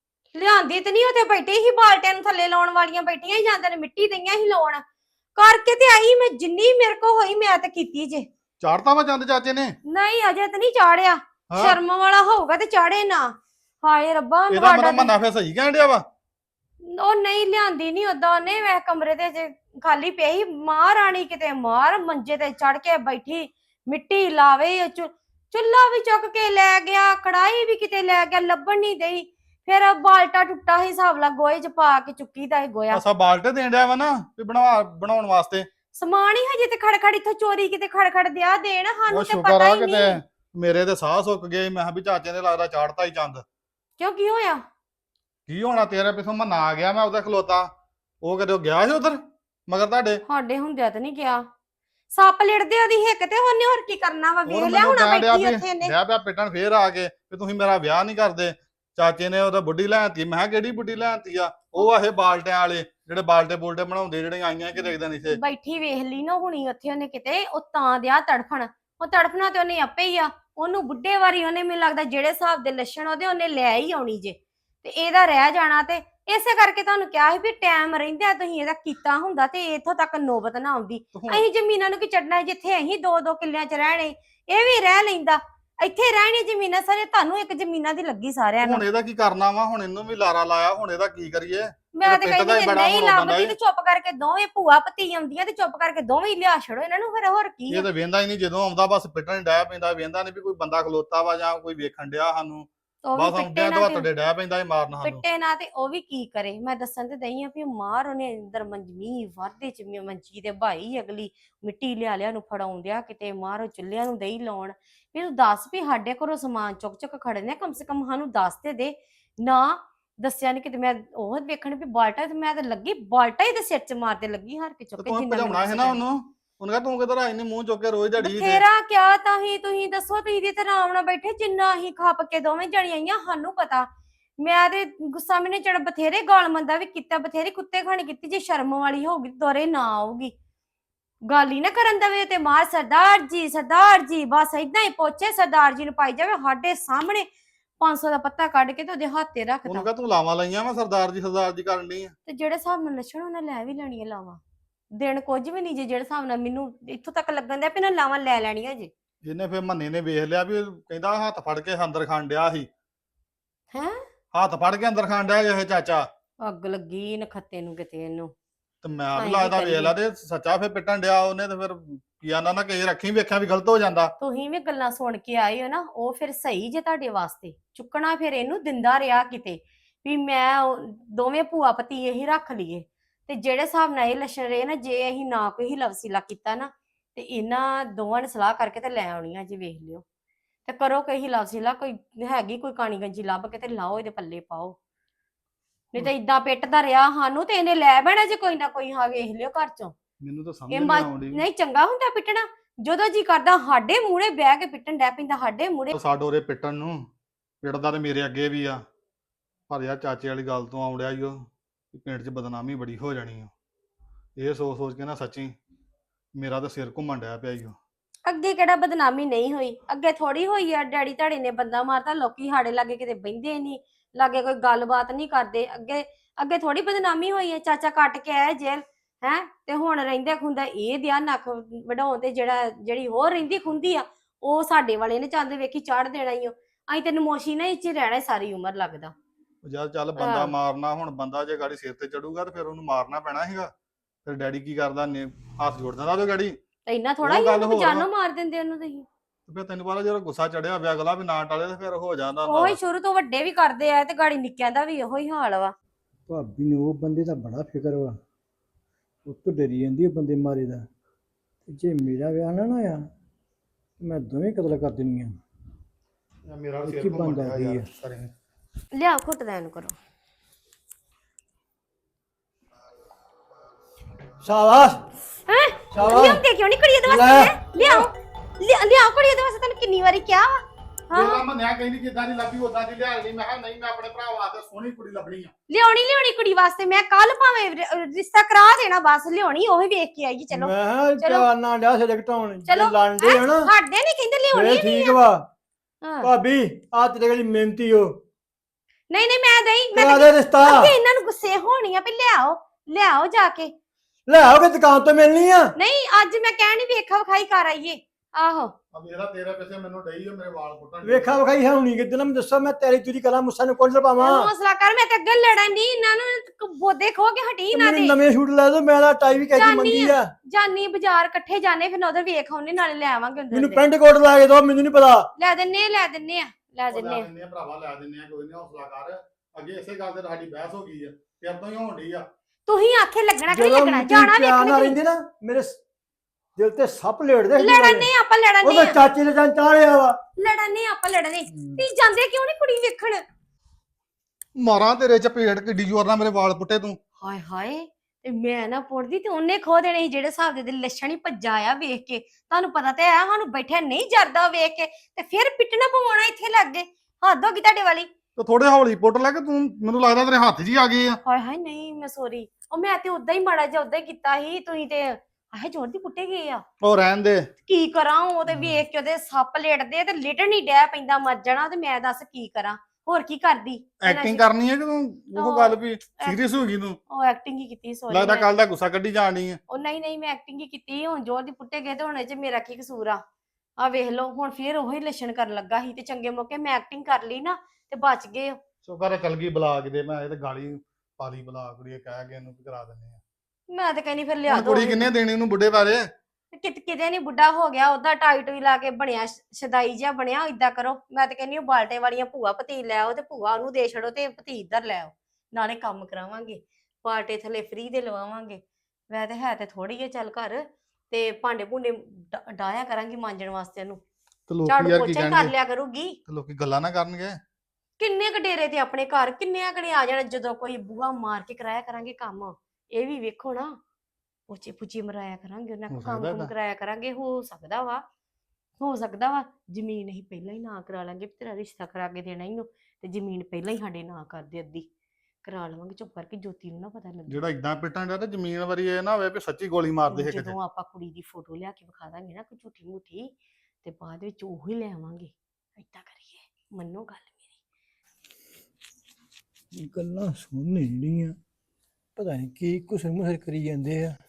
[SPEAKER 6] ਲਿਆਂਦੀ ਤੇ ਨਹੀਂ ਉੱਥੇ ਬੈਠੇ ਹੀ ਬਾਲਟਿਆਂ ਨੂੰ ਥੱਲੇ ਲਾਉਣ ਵਾਲੀਆਂ ਬੈਠੀਆਂ ਹੀ ਜਾਂਦੇ ਨੇ ਮਿੱਟੀ ਦਈਆਂ ਹੀ ਲਾਉਣ ਕਰਕੇ ਤੇ ਆਈ ਮੈਂ ਜਿੰਨੀ ਮੇਰੇ ਕੋ ਹੋਈ ਮੈਂ ਤੇ ਕੀਤੀ ਜੇ
[SPEAKER 3] ਚਾੜਤਾ ਵਾ ਜਾਂਦੇ ਚਾਚੇ ਨੇ
[SPEAKER 6] ਨਹੀਂ ਅਜੇ ਤੇ ਨਹੀਂ ਚਾੜਿਆ
[SPEAKER 3] ਹਾਂ?
[SPEAKER 6] ਸ਼ਰਮ ਵਾਲਾ ਹੋਊਗਾ ਤੇ ਚਾੜੇ ਨਾ ਹਾਏ ਰੱਬਾ
[SPEAKER 3] ਇਹਦਾ
[SPEAKER 6] ਤੁਹਾਡਾ
[SPEAKER 3] ਮਤਲਬ ਮਨਾ ਫੇ ਸਹੀ ਕਹਿਣ ਡਿਆ ਵਾ
[SPEAKER 6] ਉਹ ਨਹੀਂ ਲਿਆਂਦੀ ਨਹੀਂ ਉਦਾਂ ਉਹਨੇ ਮੈਂ ਕਮਰੇ ਦੇ ਚ ਖਾਲੀ ਪਈ ਸੀ ਮਹਾਰਾਣੀ ਕਿਤੇ ਮਾਰ ਮੰਜੇ ਤੇ ਚੜ ਕੇ ਬੈਠੀ ਮਿੱਟੀ ਲਾਵੇ ਚੁ- ਚੁੱਲ੍ਹਾ ਵੀ ਚੁੱਕ ਕੇ ਲੈ ਗਿਆ ਕੜਾਈ ਵੀ ਕਿਤੇ ਲੈ ਗਿਆ ਲੱਭਣ ਨਹੀਂ ਦਈ ਫਿਰ ਬਾਲਟਾ ਟੁੱਟਾ ਸੀ ਸਾਵਲਾ ਗੋਏ ਚ ਪਾ ਕੇ ਚੁੱਕੀ ਦਾ ਗੋਇਆ
[SPEAKER 3] ਅਸਾ ਬਾਲਟੇ ਦੇਣ ਡਿਆ ਵਾ ਨਾ ਵੀ ਬਣਵਾ ਬਣਾਉਣ ਵਾਸਤੇ
[SPEAKER 6] ਸਮਾਨ ਹੀ ਹਜੇ ਤੇ ਖੜਖੜ ਇੱਥੋਂ ਚੋਰੀ ਕਿਤੇ ਖੜਖੜ ਦਿਆ ਦੇਣ ਸਾਨੂੰ
[SPEAKER 3] ਉਹ
[SPEAKER 6] ਤੇ
[SPEAKER 3] ਸ਼ੁਕਰ
[SPEAKER 6] ਪਤਾ
[SPEAKER 3] ਆ
[SPEAKER 6] ਹੀ
[SPEAKER 3] ਕਿਤੇ
[SPEAKER 6] ਨਹੀਂ
[SPEAKER 3] ਮੇਰੇ ਤੇ ਸਾਹ ਸੁੱਕ ਗਏ ਮੈਂ ਕਿਹਾ ਵੀ ਚਾਚੇ ਨੇ ਲੱਗਦਾ ਚਾੜਤਾ ਹੀ ਚੰਦ
[SPEAKER 6] ਕਿਉਂ ਕੀ ਹੋਇਆ
[SPEAKER 3] ਕੀ ਹੋਣਾ ਤੇਰੇ ਪਿੱਛੋਂ ਮਨਾ ਆ ਗਿਆ ਮੈਂ ਉਹਦਾ ਖਲੋਤਾ ਉਹ ਕਦੇ ਗਿਆ ਸੀ ਉਧਰ ਮਗਰ ਤੁਹਾਡੇ
[SPEAKER 6] ਸਾਡੇ ਹੁੰਦਿਆ ਤੇ ਨਹੀਂ ਗਿਆ ਸੱਪ ਲਿੜਦੇ ਉਹਦੀ ਹਿੱਕ ਤੇ ਉਹਨੇ ਹੋਰ ਕੀ ਕਰਨਾ ਵਾ ਵੇਖ
[SPEAKER 3] ਉਹ
[SPEAKER 6] ਲਿਆ
[SPEAKER 3] ਮੈਨੂੰ
[SPEAKER 6] ਹੁਣਾ
[SPEAKER 3] ਕਹਿਣ ਡਿਆ
[SPEAKER 6] ਬੈਠੀ
[SPEAKER 3] ਵੀ
[SPEAKER 6] ਉੱਥੇ ਨੇ
[SPEAKER 3] ਵਿਆਹ ਪਿਆ ਪਿੱਟਣ ਫੇਰ ਆ ਕੇ ਵੀ ਤੁਸੀਂ ਮੇਰਾ ਵਿਆਹ ਨਹੀਂ ਕਰਦੇ ਚਾਚੇ ਨੇ ਉਹਦਾ ਬੁੱਢੀ ਲੈਣਤੀ ਮੈਂ ਕਿਹਾ ਕਿਹੜੀ ਬੁੱਢੀ ਲੈਣਤੀ ਆ ਉਹ ਆ ਇਹ ਬਾਲਟਿਆਂ ਵਾਲੇ ਜਿਹੜੇ ਬਾਲਟੇ ਬੁਲਟੇ ਬਣਾਉਂਦੇ ਜਿਹੜੇ ਆਈਆਂ ਕਿ ਦੇਖਦੇ ਨਹੀਂ ਸੇ
[SPEAKER 6] ਬੈਠੀ ਵੇਖ ਲਈ ਨਾ ਹੁਣੀ ਉੱਥੇ ਉਹਨੇ ਕਿਤੇ ਉਹ ਤਾਂ ਦਿਆ ਤੜਫਣ ਉਹ ਤੜਫਣਾ ਤੇ ਉਹਨੇ ਆਪੇ ਹੀ ਆ ਉਹਨੂੰ ਬੁੱਢੇ ਵਾਰੀ ਉਹਨੇ ਮੈਨੂੰ ਲੱਗਦਾ ਜਿਹੜੇ ਹਿਸਾਬ ਦੇ ਲੱਛਣ ਉਹਦੇ ਉਹਨੇ ਲੈ ਹੀ ਆਉਣੀ ਜੇ ਤੇ ਇਹਦਾ ਰਹਿ ਜਾਣਾ ਤੇ ਇਸੇ ਕਰਕੇ ਤੁਹਾਨੂੰ ਕਿਹਾ ਸੀ ਵੀ ਟਾਈਮ ਰਹਿੰਦਿਆ ਤੁਸੀਂ ਇਹਦਾ ਕੀਤਾ ਹੁੰਦਾ ਤੇ ਇੱਥੋਂ ਤੱਕ ਨੋਬਤ ਨਾ ਆਉਂਦੀ ਅਸੀਂ ਜ਼ਮੀਨਾਂ ਨੂੰ ਕੀ ਛੱਡਣਾ ਜਿੱਥੇ ਅਸੀਂ ਦੋ ਦੋ ਕਿੱਲਿਆਂ 'ਚ ਰਹਿਣੇ ਇਹ ਵੀ ਰਹਿ ਲੈਂਦਾ ਇੱਥੇ ਰਹਿਣੀ ਜ਼ਮੀਨਾਂ ਸਾਰੇ ਤੁਹਾਨੂੰ ਇੱਕ ਜ਼ਮੀਨਾਂ ਦੀ ਲੱਗੀ ਸਾਰਿਆਂ ਨੂੰ
[SPEAKER 3] ਹੁਣ ਇਹਦਾ ਕੀ ਕਰਨਾ ਵਾ ਹੁਣ ਇਹਨੂੰ ਵੀ ਲਾਰਾ ਲਾਇਆ ਹੁਣ ਇਹਦਾ ਕੀ ਕਰੀਏ
[SPEAKER 6] ਮੈਂ ਤੇ
[SPEAKER 3] ਪਿੱਟ ਦਾ ਹੀ
[SPEAKER 6] ਕਹਿੰਦੀ ਜੇ
[SPEAKER 3] ਬੜਾ
[SPEAKER 6] ਨਹੀਂ
[SPEAKER 3] ਹੁਣ ਉਦੋਂ ਦਾ
[SPEAKER 6] ਲੱਭਦੀ
[SPEAKER 3] ਹੀ।
[SPEAKER 6] ਤੇ ਚੁੱਪ ਕਰਕੇ ਦੋਵੇਂ ਭੂਆ ਭਤੀ ਆਉਂਦੀਆਂ ਤੇ ਚੁੱਪ ਕਰਕੇ ਦੋਵੇਂ ਹੀ ਲਿਆ ਛੜੋ ਇਹਨਾਂ ਨੂੰ ਫਿਰ ਹੋਰ ਕੀ
[SPEAKER 3] ਇਹ
[SPEAKER 6] ਆ?
[SPEAKER 3] ਤਾਂ ਵੇਂਦਾ ਹੀ ਨਹੀਂ ਜਦੋਂ ਆਉਂਦਾ ਬਸ ਪਿੱਟਣ ਡੈ ਪੈਂਦਾ ਵੇਂਦਾ ਨਹੀਂ ਵੀ ਕੋਈ ਬੰਦਾ ਖਲੋਤਾ ਵਾ ਜਾਂ ਕੋਈ ਵੇਖਣ ਡਿਆ ਸਾਨੂੰ
[SPEAKER 6] ਉਹ
[SPEAKER 3] ਬਸ
[SPEAKER 6] ਵੀ
[SPEAKER 3] ਆਉਂਦੇ
[SPEAKER 6] ਪਿੱਟੇ ਨਾ
[SPEAKER 3] ਦਵਾ
[SPEAKER 6] ਤੇ
[SPEAKER 3] ਡੈ ਪੈਂਦਾ ਇਹ ਮਾਰਨ ਸਾਨੂੰ
[SPEAKER 6] ਪਿੱਟੇ ਨਾ ਤੇ ਉਹ ਵੀ ਕੀ ਕਰੇ ਮੈਂ ਦੱਸਣ ਤੇ ਦਈ ਆ ਵੀ ਮਾਰ ਉਹਨੇ ਅੰਦਰ ਮੰਜਮੀ ਵਰਦੇ ਚ ਮ- ਮੰਜੀ ਦੇ ਭਾਈ ਅਗਲੀ ਮਿੱਟੀ ਲਿਆ ਲਿਆ ਨੂੰ ਫੜਾਉਂਦਿਆ ਕਿਤੇ ਮਾਰ ਉਹ ਚੁੱਲ੍ਹਿਆਂ ਨੂੰ ਦਈ ਲਾਉਣ ਵੀ ਤੂੰ ਦੱਸ ਵੀ ਸਾਡੇ ਘਰੋਂ ਸਮਾਨ ਚੁੱਕ ਚੁੱਕ ਖੜਨੇ ਕਮ ਸੇ ਕਮ ਸਾਨੂੰ ਦੱਸ ਤੇ ਦੇ ਨਾ ਦੱਸਿਆ ਨਹੀਂ ਕਿਤੇ ਮੈਂ ਉਹ ਵੇਖਣ ਵੀ ਬਾਲਟਾ ਤੇ ਮੈਂ ਤਾਂ ਲੱਗੀ ਬਾਲਟਾ ਹੀ ਤੇ ਸਿਰ ਚ ਮਾਰਦੇ ਲੱਗੀ ਹਰ ਕੇ ਚੁੱਕ
[SPEAKER 3] ਤੇ
[SPEAKER 6] ਕੇ
[SPEAKER 3] ਤੂੰ
[SPEAKER 6] ਜਿੰਨਾ
[SPEAKER 3] ਭਜਾਉਣਾ ਹੈ
[SPEAKER 6] ਮੈਨੂੰ
[SPEAKER 3] ਨਾ ਉਹਨੂੰ ਉਹਨੇ ਕਹਾ ਤੂੰ ਕਿਧਰ ਆਈ ਨਹੀਂ ਮੂੰਹ ਚੁੱਕ ਕੇ ਰੋਜ਼ ਝੜੀ ਤੇ
[SPEAKER 6] ਬਥੇਰਾ ਕਿਆ ਤਾਂ ਹੀ ਤੁਸੀਂ ਦੱਸੋ ਤੁਸੀਂ ਦੀ ਤਰ੍ਹਾਂ ਆਉਣਾ ਬੈਠੇ ਜਿੰਨਾ ਅਸੀਂ ਖੱਪ ਕੇ ਦੋਵੇਂ ਜਣੀਆਂ ਆਈਆਂ ਸਾਨੂੰ ਪਤਾ ਮੈਂ ਤੇ ਗੁੱਸਾ ਮੈਨੂੰ ਚੜ ਬਥੇਰੇ ਗਾਲ ਮੰਦਾ ਵੀ ਕੀਤਾ, ਬਥੇਰੀ ਕੁੱਤੇ ਖਾਣੀ ਕੀਤੀ। ਜੇ ਸ਼ਰਮ ਵਾਲੀ ਹੋਊਗੀ ਦੋਰੇ ਨਾ ਆਊਗੀ, ਗੱਲ ਹੀ ਨਾ ਕਰਨ ਦਵੇ ਤੇ ਮਾਰ ਸਰਦਾਰ ਜੀ ਸਰਦਾਰ ਜੀ, ਬਸ ਏਦਾਂ ਹੀ ਪੋਚੇ ਸਰਦਾਰ ਜੀ ਨੂੰ ਪਾਈ ਜਾਵੇ ਸਾਡੇ ਸਾਹਮਣੇ। ਪੰਜ ਸੌ ਦਾ ਪੱਤਾ ਕੱਢ ਕੇ ਤੇ ਉਹਦੇ ਹੱਥ ਤੇ ਰੱਖਦਾ।
[SPEAKER 3] ਉਹਨੂੰ ਕਹ ਤੂੰ ਲਾਵਾਂ ਲਾਈਆਂ ਵਾ ਸਰਦਾਰ ਜੀ ਸਰਦਾਰ ਜੀ ਕਰਨ ਡਈ ਆ।
[SPEAKER 6] ਤੇ ਜਿਹੜੇ ਹਿਸਾਬ ਨਾਲ ਲੱਛਣ ਉਹਨਾਂ ਲੈ ਵੀ ਲੈਣੀਆਂ ਲਾਵਾਂ, ਦਿਨ ਕੁਝ ਵੀ ਨਹੀਂ ਜੇ ਜਿਹੜੇ ਹਿਸਾਬ ਨਾਲ ਮੈਨੂੰ ਇੱਥੋਂ ਤੱਕ ਲੱਗਣ ਦਿਆ ਵੀ ਨਾ ਲਾਵਾਂ ਲੈ ਲੈਣੀਆਂ ਜੇ।
[SPEAKER 3] ਇਹਨੇ ਫਿਰ ਮੰਨੇ ਨੇ ਵੇਖ ਲਿਆ ਵੀ ਕਹਿੰਦਾ ਹੱਥ ਫੜ ਕੇ ਅੰਦਰ ਖਾਣ ਡਿਆ ਸੀ।
[SPEAKER 6] ਹੈਂ?
[SPEAKER 3] ਹੱਥ ਫੜ ਕੇ ਅੰਦਰ ਖਾਣ ਡਿਆ ਇਹ ਚਾਚਾ।
[SPEAKER 6] ਅੱਗ ਲੱਗੀ ਨਖੱਤੇ ਨੂੰ ਕਿਤੇ ਇਹਨੂੰ।
[SPEAKER 3] ਤੇ ਮੈਂ ਵੀ
[SPEAKER 6] ਆਏਂ
[SPEAKER 3] ਲੱਗਦਾ
[SPEAKER 6] ਕਰੀਏ।
[SPEAKER 3] ਵੇਖ ਲਾ ਤੇ ਸੱਚਾ ਫਿਰ ਪਿੱਟਣ ਡਿਆ ਉਹਨੇ। ਤੇ ਫਿਰ ਕੀ ਆਨਾ ਨਾ ਕਹੇ ਰੱਖੀ ਵੇਖਿਆ ਵੀ ਗਲਤ ਹੋ ਜਾਂਦਾ।
[SPEAKER 6] ਤੁਸੀਂ ਵੀ ਗੱਲਾਂ ਸੁਣ ਕੇ ਆਏ ਹੋ ਨਾ, ਉਹ ਫਿਰ ਸਹੀ ਜੇ ਤੁਹਾਡੇ ਵਾਸਤੇ। ਚੁੱਕਣਾ ਫਿਰ ਇਹਨੂੰ ਦਿੰਦਾ ਰਿਹਾ ਕਿਤੇ ਵੀ ਮੈਂ ਉਹ ਦੋਵੇਂ ਭੂਆ ਪਤੀ ਇਹੀ ਰੱਖ ਲਈਏ। ਤੇ ਜਿਹੜੇ ਹਿਸਾਬ ਨਾਲ ਇਹ ਲੱਛਣ ਰਹੇ ਨਾ, ਜੇ ਅਸੀਂ ਨਾ ਕੋਈ ਹਿਲਾ ਵਸੀਲਾ ਕੀਤਾ ਨਾ ਤੇ ਇਹਨਾਂ ਦੋਵਾਂ ਨੇ ਸਲਾਹ ਕਰਕੇ ਤੇ ਲੈ ਆਉਣੀਆਂ ਜੀ। ਵੇਖ ਲਿਓ ਤੇ ਕਰੋ ਕੋਈ ਹਿਲਾ ਵਸੀਲਾ, ਕੋਈ ਹੈਗੀ ਕੋਈ ਕਾਣੀ ਗੰਜੀ ਲੱਭ ਕੇ ਤੇ ਲਾਓ ਇਹਦੇ ਪੱਲੇ ਪਾਓ। ਨਹੀਂ ਤਾਂ ਇਦਾਂ ਪਿੱਟਦਾ ਰਿਹਾ ਸਾਨੂੰ ਤੇ ਇਹਨੇ ਲੈ ਬਹਿਣਾ ਜੇ ਕੋਈ ਨਾ ਕੋਈ। ਹਾਂ ਵੇਖ ਲਿਓ ਘਰ ਚੋਂ।
[SPEAKER 3] ਮੈਨੂੰ ਤਾਂ ਸਮਝ
[SPEAKER 6] ਇਹ
[SPEAKER 3] ਨਹੀਂ
[SPEAKER 6] ਮਾ-
[SPEAKER 3] ਆਉਂਦੀ।
[SPEAKER 6] ਨਹੀਂ ਚੰਗਾ ਹੁੰਦਾ ਪਿੱਟਣਾ, ਜਦੋਂ ਜੀ ਕਰਦਾ ਸਾਡੇ ਮੂਹਰੇ ਬਹਿ ਕੇ ਪਿੱਟਣ ਡੈ ਪੈਂਦਾ, ਸਾਡੇ ਮੂਹਰੇ।
[SPEAKER 3] ਸਾਡੇ ਉਹਦੇ ਪਿੱਟਣ ਨੂੰ ਪਿੱਟਦਾ ਤੇ ਮੇਰੇ ਅੱਗੇ ਵੀ ਆ। ਪਰ ਯਾਰ ਚਾਚੇ ਵਾਲੀ ਗੱਲ ਤੋਂ ਆਉਂਦਿਆ ਈ ਉਹ ਕਿ ਪਿੰਡ 'ਚ ਬਦਨਾਮੀ ਬੜੀ ਹੋ ਜਾਣੀ ਆ। ਇਹ ਸੋਚ ਸੋਚ ਕੇ ਨਾ ਸੱਚੀ ਮੇਰਾ ਤਾਂ ਸਿਰ ਘੁੰਮਣ ਡਿਆ ਪਿਆ ਈ ਓ।
[SPEAKER 6] ਅੱਗੇ ਕਿਹੜਾ ਬਦਨਾਮੀ ਨਹੀਂ ਹੋਈ, ਅੱਗੇ ਥੋੜੀ ਹੋਈ ਆ। ਡੈਡੀ ਧਾੜੇ ਨੇ ਬੰਦਾ ਮਾਰਤਾ, ਲੋਕੀ ਸਾਡੇ ਲਾਗੇ ਕਿਤੇ ਬਹਿੰਦੇ ਨਹੀਂ, ਲਾਗੇ ਕੋਈ ਗੱਲਬਾਤ ਨਹੀਂ ਕਰਦੇ। ਅੱਗੇ ਅੱਗੇ ਥੋੜੀ ਬਦਨਾਮੀ ਹੋਈ ਹੈ। ਚਾਚਾ ਕੱਟ ਕੇ ਆਇਆ ਜੇਲ੍ਹ ਹੈ ਤੇ ਹੁਣ ਰਹਿੰਦਾ ਖੁੰਦਾ ਇਹ ਦਿਆ ਨੱਕ ਵਢਾਉਣ ਤੇ ਜਿਹੜਾ ਜਿਹੜੀ ਹੋਰ ਰਹਿੰਦੀ ਖੁੰਦੀ ਆ ਉਹ ਸਾਡੇ ਵਾਲੇ ਨੇ ਚੰਦ ਵੇਖੀ ਚਾੜ ਦੇਣਾ ਹੀ। ਅਸੀਂ ਤੈਨੂੰ ਮੋਸ਼ੀ ਨਾ ਇੱਥੇ ਰਹਿਣਾ ਸਾਰੀ ਉਮਰ ਲੱਗਦਾ।
[SPEAKER 3] ਜਦ ਚੱਲ ਬੰਦਾ
[SPEAKER 6] ਹਾਂ।
[SPEAKER 3] ਮਾਰਨਾ, ਹੁਣ ਬੰਦਾ ਜੇ ਗਾੜੀ ਸਿਰ ਤੇ ਚੜੂਗਾ ਤੇ ਫਿਰ ਉਹਨੂੰ ਮਾਰਨਾ ਪੈਣਾ ਸੀਗਾ। ਫਿਰ ਡੈਡੀ ਕੀ ਕਰਦਾ ਨੇ ਹੱਥ ਜੋੜ ਦਿੰਦਾ ਤੇ ਗਾੜੀ।
[SPEAKER 6] ਤੇ ਇੰਨਾ ਥੋੜਾ
[SPEAKER 3] ਉਹ
[SPEAKER 6] ਹੀ
[SPEAKER 3] ਗੱਲ
[SPEAKER 6] ਉਹਨੂੰ
[SPEAKER 3] ਹੋਰ ਵਾ।
[SPEAKER 6] ਜਾਨੋਂ ਮਾਰ ਦਿੰਦੇ ਉਹਨੂੰ ਤੁਸੀਂ।
[SPEAKER 3] ਤੇ ਫਿਰ ਤੈਨੂੰ ਪਤਾ ਜਦੋਂ ਗੁੱਸਾ ਚੜਿਆ ਹੋਇਆ ਅਗਲਾ ਵੀ ਨਾ ਟਾਲੇ ਤੇ ਫਿਰ ਹੋ ਜਾਂਦਾ ਹੁੰਦਾ
[SPEAKER 6] ਉਹੀ
[SPEAKER 3] ਵਾ।
[SPEAKER 6] ਸ਼ੁਰੂ ਤੋਂ ਵੱਡੇ ਵੀ ਕਰਦੇ ਆ ਤੇ ਗਾੜੀ ਨਿੱਕਿਆਂ ਦਾ ਵੀ ਉਹੀ ਹਾਲ ਵਾ।
[SPEAKER 4] ਭਾਬੀ ਨੂੰ ਉਹ ਬੰਦੇ ਦਾ ਬੜਾ ਫਿਕਰ ਵਾ, ਉਹ ਤੋਂ ਡਰੀ ਜਾਂਦੀ ਉਹ ਬੰਦੇ ਮਾਰੇ ਦਾ। ਤੇ ਜੇ ਮੇਰਾ ਵਿਆਹ ਨਾ ਨਾ ਹੋਇਆ ਮੈਂ ਦੋਵੇਂ ਕਤਲ ਕਰ ਦੇਣੀਆਂ।
[SPEAKER 3] ਮੇਰਾ ਵੀ
[SPEAKER 4] ਇੱਕ
[SPEAKER 3] ਸਿਰ
[SPEAKER 4] ਹੀ
[SPEAKER 3] ਘੁੰਮਣ
[SPEAKER 4] ਬੰਦਾ
[SPEAKER 3] ਡਿਆ
[SPEAKER 4] ਦੀ
[SPEAKER 3] ਯਾਰ
[SPEAKER 4] ਆ।
[SPEAKER 3] ਘਰੇ।
[SPEAKER 6] ਲਿਆਓ ਘੁੱਟ ਦਾ ਇਹਨੂੰ ਕਰੋ।
[SPEAKER 4] ਸ਼ਾਬਾਸ਼
[SPEAKER 6] ਹੈ
[SPEAKER 4] ਸ਼ਾਬਾਸ਼।
[SPEAKER 6] ਲਿਆਉਂਦੇ ਕਿਉਂ ਨਹੀਂ ਕੁੜੀ ਇਹਦੇ
[SPEAKER 4] ਲੈ।
[SPEAKER 6] ਵਾਸਤੇ? ਲਿਆਓ ਲਿਆ- ਲਿਆਓ ਕੁੜੀ ਇਹਦੇ ਵਾਸਤੇ, ਤੈਨੂੰ ਕਿੰਨੀ ਵਾਰੀ ਕਿਹਾ ਵਾ। ਹਾਂ
[SPEAKER 3] ਮੇਰਾ ਮੰਨਿਆ ਕਹਿੰਦੀ ਜਿੱਦਾਂ ਦੀ ਲੱਭੀ ਉਦਾਂ ਦੀ ਲਿਆ ਲਈ। ਮੈਂ ਕਿਹਾ ਨਹੀਂ ਮੈਂ ਆਪਣੇ ਭਰਾ ਵਾਸਤੇ ਸੋਹਣੀ ਕੁੜੀ ਲੱਭਣੀ ਆ।
[SPEAKER 6] ਲਿਆਉਣੀ ਲਿਆਉਣੀ ਕੁੜੀ ਵਾਸਤੇ ਮੈਂ ਕੱਲ ਭਾਵੇਂ ਰ- ਰਿਸ਼ਤਾ ਕਰਾ ਦੇਣਾ, ਬਸ ਲਿਆਉਣੀ ਉਹੀ ਵੇਖ ਕੇ ਆਈਏ। ਚਲੋ
[SPEAKER 4] ਮੈਂ ਕਿਹਾ
[SPEAKER 6] ਚਲੋ।
[SPEAKER 4] ਪਿਆਰ ਨਾਲ ਡਿਆ ਸਿਰ ਘਟਾਉਣ। ਜੇ
[SPEAKER 6] ਚਲੋ,
[SPEAKER 4] ਲੜਦੇ ਹੋ ਨਾ
[SPEAKER 6] ਸਾਡੇ ਨਹੀਂ ਕਹਿੰਦੇ ਲਿਆਉਣੀ
[SPEAKER 4] ਫੇਰ ਠੀਕ ਵਾ।
[SPEAKER 6] ਹਾਂ।
[SPEAKER 4] ਭਾਬੀ ਆ ਤੇਰੇ ਕੋਲ ਮਿਹਨਤੀ ਹੋ,
[SPEAKER 6] ਨਹੀਂ ਨਹੀਂ ਮੈਂ ਨਹੀਂ ਮੈਂ
[SPEAKER 4] ਕਰਾ
[SPEAKER 6] ਤਾਂ-
[SPEAKER 4] ਦੇ ਰਿਸ਼ਤਾ।
[SPEAKER 6] ਅੱਗੇ ਇਹਨਾਂ ਨੂੰ ਗੁੱਸੇ ਹੋਣੀ ਆ ਵੀ ਲਿਆਓ ਲਿਆਓ ਜਾ ਕੇ।
[SPEAKER 4] ਲੈ ਆਓਗੇ ਦੁਕਾਨ ਤੋਂ ਮਿਲਣੀ ਆ।
[SPEAKER 6] ਨਹੀਂ ਅੱਜ ਮੈਂ ਕਹਿਣੀ ਵੇਖਾ ਵਿਖਾਈ ਕਰ ਆਈਏ। ਆਹੋ
[SPEAKER 3] ਆ ਮੇਰਾ ਤੇਰੇ ਪਿੱਛੇ ਮੈਨੂੰ ਡਈ ਓ ਮੇਰੇ ਵਾਲ ਪੁੱਟਣ ਡਈ।
[SPEAKER 4] ਵੇਖਾ ਵਿਖਾਈ ਹੈ ਹੁਣੀ ਕਿਤੇ ਨਾ ਮੈਨੂੰ ਦੱਸੋ ਮੈਂ ਤੇਰੀ ਤੁਰੀ ਕਲਾ ਮੁੱਸਾ ਨੂੰ ਕੋਲ ਪਾਵਾਂ।
[SPEAKER 6] ਹੌਸਲਾ ਕਰ, ਮੈਂ ਤੇ ਅੱਗੇ ਲੜਨ ਦੀ ਇਹਨਾਂ ਨੂੰ ਬੋਦੇ ਖੋ ਕੇ ਹਟੀ ਨਾ
[SPEAKER 4] ਮੈਨੂੰ
[SPEAKER 6] ਦੇ।
[SPEAKER 4] ਨਵੇਂ ਸ਼ੂਟ ਲੈ ਦੋ, ਮੇਰਾ ਟਾਈ ਵੀ ਕੈਸੀ
[SPEAKER 6] ਜਾਨੀ
[SPEAKER 4] ਮੰਗੀ ਆ।
[SPEAKER 6] ਜਾਨੀ ਬਾਜ਼ਾਰ ਇਕੱਠੇ ਜਾਣੇ, ਫਿਰ ਉਧਰ ਵੇਖ ਆਉਣੇ ਨਾਲੇ ਲੈ ਆਵਾਂਗੇ
[SPEAKER 4] ਮੈਨੂੰ
[SPEAKER 6] ਉਧਰ
[SPEAKER 4] ਪੈਂਟ ਕੋਟ ਲਾ ਕੇ ਦੋ, ਮੈਨੂੰ ਨਹੀਂ ਪਤਾ।
[SPEAKER 6] ਲੈ ਦਿੰਨੇ ਆ ਲੈ ਦਿੰਨੇ ਆ ਲੈ
[SPEAKER 3] ਉਹ
[SPEAKER 6] ਦਿੰਨੇ
[SPEAKER 3] ਲੈ
[SPEAKER 6] ਆ।
[SPEAKER 3] ਦਿੰਨੇ ਆ ਭਰਾਵਾ, ਲੈ ਦਿੰਨੇ ਆ, ਕੋਈ ਨਹੀਂ ਹੌਸਲਾ ਕਰ। ਅੱਗੇ ਇਸੇ ਗੱਲ ਤੇ ਸਾਡੀ ਬਹਿਸ ਹੋ ਗਈ ਆ, ਤੇਰੇ ਤੋਂ ਹੀ ਹੋਣ ਡਈ ਆ।
[SPEAKER 6] ਤੁਸੀਂ ਆਖੇ ਲੱਗਣਾ ਕਿ ਨਹੀਂ
[SPEAKER 4] ਜਦੋਂ
[SPEAKER 6] ਲੱਗਣਾ,
[SPEAKER 4] ਮਿੱਟੀ
[SPEAKER 6] ਜਾਣਾ
[SPEAKER 4] ਪਿਆਰ ਨਾਲ
[SPEAKER 6] ਵੇਖਣ
[SPEAKER 4] ਰਹਿੰਦੀ ਨਾ ਮੇਰੇ ਸ- ਦਿਲ ਤੇ ਸੱਪ ਲੇੜਦੇ
[SPEAKER 6] ਲੜਨੇ ਆਪਾਂ ਲੜਨੇ
[SPEAKER 4] ਉਹਦੇ
[SPEAKER 6] ਆ
[SPEAKER 4] ਚਾਚੇ ਨੇ ਜਾਂ ਚਾੜਿਆ ਵਾ।
[SPEAKER 6] ਲੜਨੇ ਆਪਾਂ ਲੜਨੇ। ਤੀ ਜਾਂਦੇ ਕਿਉਂ ਨਹੀਂ ਕੁੜੀ ਵੇਖਣ?
[SPEAKER 3] ਮਾਰਾਂ ਤੇਰੇ ਚਪੇੜ ਕਿੱਡੀ ਜ਼ੋਰ ਨਾਲ ਮੇਰੇ ਵਾਲ ਪੁੱਟੇ ਤੂੰ।
[SPEAKER 6] ਹਾਏ ਹਾਏ ਤੇ ਮੈਂ ਨਾ ਪੁੱਟਦੀ ਤੇ ਉਹਨੇ ਖੋ ਦੇਣੇ ਸੀ, ਜਿਹੜੇ ਹਿਸਾਬ ਦੇ ਲੱਛਣ ਹੀ ਭੱਜਾ ਆ ਵੇਖ ਕੇ। ਤੁਹਾਨੂੰ ਪਤਾ ਤੇ ਹੈ ਸਾਨੂੰ ਬੈਠਿਆ ਨਹੀਂ ਜਰਦਾ ਵੇਖ ਕੇ ਤੇ ਫਿਰ ਪਿੱਟਣਾ ਪਵਾਉਣਾ ਇੱਥੇ ਲੱਗ ਗਏ। ਹੱਦ ਹੋ ਗਈ ਤੁਹਾਡੇ ਵਾਲੀ।
[SPEAKER 3] ਤੇ ਥੋੜੇ ਹੌਲੀ ਪੁੱਟ ਲੈ ਕੇ ਤੂੰ, ਮੈਨੂੰ ਲੱਗਦਾ ਤੇਰੇ ਹੱਥ 'ਚ ਹੀ ਆ ਗਏ ਆ।
[SPEAKER 6] ਹਾਏ ਹਾਏ ਨਹੀਂ ਮੈਂ ਸੋਰੀ, ਉਹ ਮੈਂ ਤੇ ਉਦਾਂ ਹੀ ਮਾੜਾ ਜਿਹਾ ਉਦਾਂ ਹੀ ਕੀਤਾ ਸੀ। ਤੁਸੀਂ ਤੇ ਹਾਏ ਜ਼ੋਰ ਦੀ ਪੁੱਟੇ ਗਏ ਆ।
[SPEAKER 3] ਉਹ ਰਹਿਣ ਦੇ।
[SPEAKER 6] ਕੀ ਕਰਾਂ, ਉਹ ਤੇ ਵੇਖ ਕੇ ਉਹਦੇ ਸੱਪ ਲੇਟਦੇ ਤੇ ਲਿਟਣ ਹੀ ਡੈ ਪੈਂਦਾ ਮਰ ਜਾਣਾ। ਤੇ ਮੈਂ ਦੱਸ ਕੀ ਕਰਾਂ, ਹੋਰ ਕੀ ਕਰਦੀ। ਇਹਨਾਂ
[SPEAKER 3] ਐਕਟਿੰਗ
[SPEAKER 6] ਚ-
[SPEAKER 3] ਕਰਨੀ ਹੈ ਕਿ ਤੂੰ ਉਹ ਗੱਲ ਵੀ ਸੀਰੀਅਸ ਹੋ ਗਈ ਤੂੰ?
[SPEAKER 6] ਉਹ ਐਕਟਿੰਗ ਹੀ ਕੀਤੀ ਸੋਰੀ।
[SPEAKER 3] ਲੱਗਦਾ ਕੱਲ ਦਾ ਗੁੱਸਾ ਕੱਢੀ ਜਾਣੀ ਆ।
[SPEAKER 6] ਉਹ ਨਹੀਂ ਨਹੀਂ ਮੈਂ ਐਕਟਿੰਗ ਹੀ ਕੀਤੀ। ਹੁਣ ਜ਼ੋਰ ਦੀ ਪੁੱਟੇ ਗਏ ਤੇ ਹੁਣ ਇਹ ਚ ਮੇਰਾ ਕੀ ਕਸੂਰ ਆ? ਆ ਵੇਖ ਲਓ ਹੁਣ ਫੇਰ ਉਹੀ ਲੱਛਣ ਕਰਨ ਲੱਗਾ ਸੀ ਤੇ ਚੰਗੇ ਮੌਕੇ ਮੈਂ ਐਕਟਿੰਗ ਕਰ ਲਈ ਨਾ ਤੇ ਬਚ ਗਏ।
[SPEAKER 3] ਸੋ ਘਰੇ ਚਲ ਗਈ ਬੁਲਾ ਕੇ ਦੇ, ਮੈਂ ਇਹ ਤੇ ਗਾਲੀ ਪਾਲੀ ਬੁਲਾ ਕੁੜੀ ਕਹਿ ਕੇ ਇਹਨੂੰ ਵੀ ਕਰਾ ਦਿੰਦੇ ਆ।
[SPEAKER 6] ਮੈਂ ਤੇ ਕਹਿੰਦੀ ਫਿਰ ਲਿਆ
[SPEAKER 3] ਹੁਣ
[SPEAKER 6] ਦੋ।
[SPEAKER 3] ਕੁੜੀ ਕਿੰਨੇ ਦੇਣੀ ਉਹਨੂੰ ਬੁੱਢੇ ਬਾਰੇ?
[SPEAKER 6] ਕਿਤੇ ਕਿਤੇ ਨਹੀਂ ਬੁੱਢਾ ਹੋ ਗਿਆ, ਉਹਦਾ ਟਾਈ ਟੂਈ ਲਾ ਕੇ ਬਣਿਆ ਸ਼ਦਾਈ ਜਿਹਾ ਬਣਿਆ। ਇਦਾਂ ਕਰੋ, ਮੈਂ ਤੇ ਕਹਿੰਦੀ ਉਹ ਬਾਲਟੇ ਵਾਲੀਆਂ ਭੂਆ ਭਤੀ ਲੈ ਆਓ ਤੇ ਭੂਆ ਉਹਨੂੰ ਦੇ ਛੜੋ ਤੇ ਭਤੀ ਇੱਧਰ ਲੈ ਆਓ, ਨਾਲੇ ਕੰਮ ਕਰਾਵਾਂਗੇ, ਬਾਲਟੇ ਥੱਲੇ ਫ੍ਰੀ ਦੇ ਲਵਾਵਾਂਗੇ। ਮੈਂ ਤੇ ਹੈ ਤੇ ਥੋੜੀ ਜਿਹੀ ਚੱਲ ਘਰ ਤੇ ਭਾਂਡੇ ਭੁੰਡੇ ਡਾ- ਡਾਹਿਆ ਕਰਾਂਗੀ ਮਾਂਜਣ ਵਾਸਤੇ ਉਹਨੂੰ।
[SPEAKER 3] ਤੇ ਲੋਕੀ
[SPEAKER 6] ਝਾੜੂ
[SPEAKER 3] ਯਾਰ ਕੀ
[SPEAKER 6] ਪੋਚਾ ਹੀ ਕਰ
[SPEAKER 3] ਕਹਿਣਗੇ?
[SPEAKER 6] ਲਿਆ ਕਰੂਗੀ।
[SPEAKER 3] ਤੇ ਲੋਕੀ ਗੱਲਾਂ ਨਾ ਕਰਨਗੇ।
[SPEAKER 6] ਕਿੰਨੇ ਕ ਡੇਰੇ ਤੇ ਆਪਣੇ ਘਰ ਕਿੰਨੇ ਕਣੇ ਆ ਜਾਣਾ ਜਦੋਂ ਕੋਈ ਬੂਹਾ ਮਾਰ ਕੇ ਕਰਾਇਆ ਕਰਾਂਗੇ ਕੰਮ। ਇਹ ਵੀ ਵੇਖੋ ਨਾ, ਪੋਚੇ ਪੁੱਚੇ ਮਰਾਇਆ ਕਰਾਂਗੇ, ਉਹਨਾਂ
[SPEAKER 3] ਹੋ
[SPEAKER 6] ਕੋਲ ਕੰਮ
[SPEAKER 3] ਸਕਦਾ
[SPEAKER 6] ਕੁਮ
[SPEAKER 3] ਏਦਾਂ?
[SPEAKER 6] ਕਰਾਇਆ ਕਰਾਂਗੇ। ਹੋ ਸਕਦਾ ਵਾ ਹੋ ਸਕਦਾ ਵਾ ਜ਼ਮੀਨ ਅਸੀਂ ਪਹਿਲਾਂ ਹੀ ਨਾ ਕਰਾ ਲਾਂਗੇ ਵੀ ਤੇਰਾ ਰਿਸ਼ਤਾ ਕਰਾ ਕੇ ਦੇਣਾ ਹੀ ਤੇ ਜ਼ਮੀਨ ਪਹਿਲਾਂ ਹੀ ਸਾਡੇ ਨਾਂ ਕਰਦੇ ਅੱਧੀ ਕਰਾ ਲਵਾਂਗੇ ਚੁੱਪ ਕਰਕੇ ਜੋਤੀ ਨੂੰ ਨਾ ਪਤਾ ਲੱਗੇ।
[SPEAKER 3] ਜਿਹੜਾ ਇਦਾਂ ਪਿੱਟਣ ਡਿਆ ਤੇ ਜ਼ਮੀਨ ਵਾਰੀ ਇਹ ਨਾ ਹੋਵੇ ਵੀ ਸੱਚੀ ਗੋਲੀ ਮਾਰ ਦੇ ਕਿਤੇ।
[SPEAKER 6] ਜਦੋਂ ਆਪਾਂ ਕੁੜੀ ਦੀ ਫੋਟੋ ਲਿਆ ਕੇ ਵਿਖਾ ਦਾਂਗੇ ਨਾ ਕੋਈ ਝੂਠੀ ਮੂਠੀ ਤੇ ਬਾਅਦ ਵਿੱਚ ਉਹੀ ਲੈ ਆਵਾਂਗੇ। ਏਦਾਂ ਕਰੀਏ ਮੰਨੋ ਗੱਲ ਮੇਰੀ।
[SPEAKER 4] ਗੱਲਾਂ ਸੁਣਨ ਜਿਹੜੀਆਂ ਪਤਾ ਨਹੀਂ ਕੀ ਕੁਸਰ ਮੁਸਰ ਕਰੀ ਜਾਂਦੇ ਆ।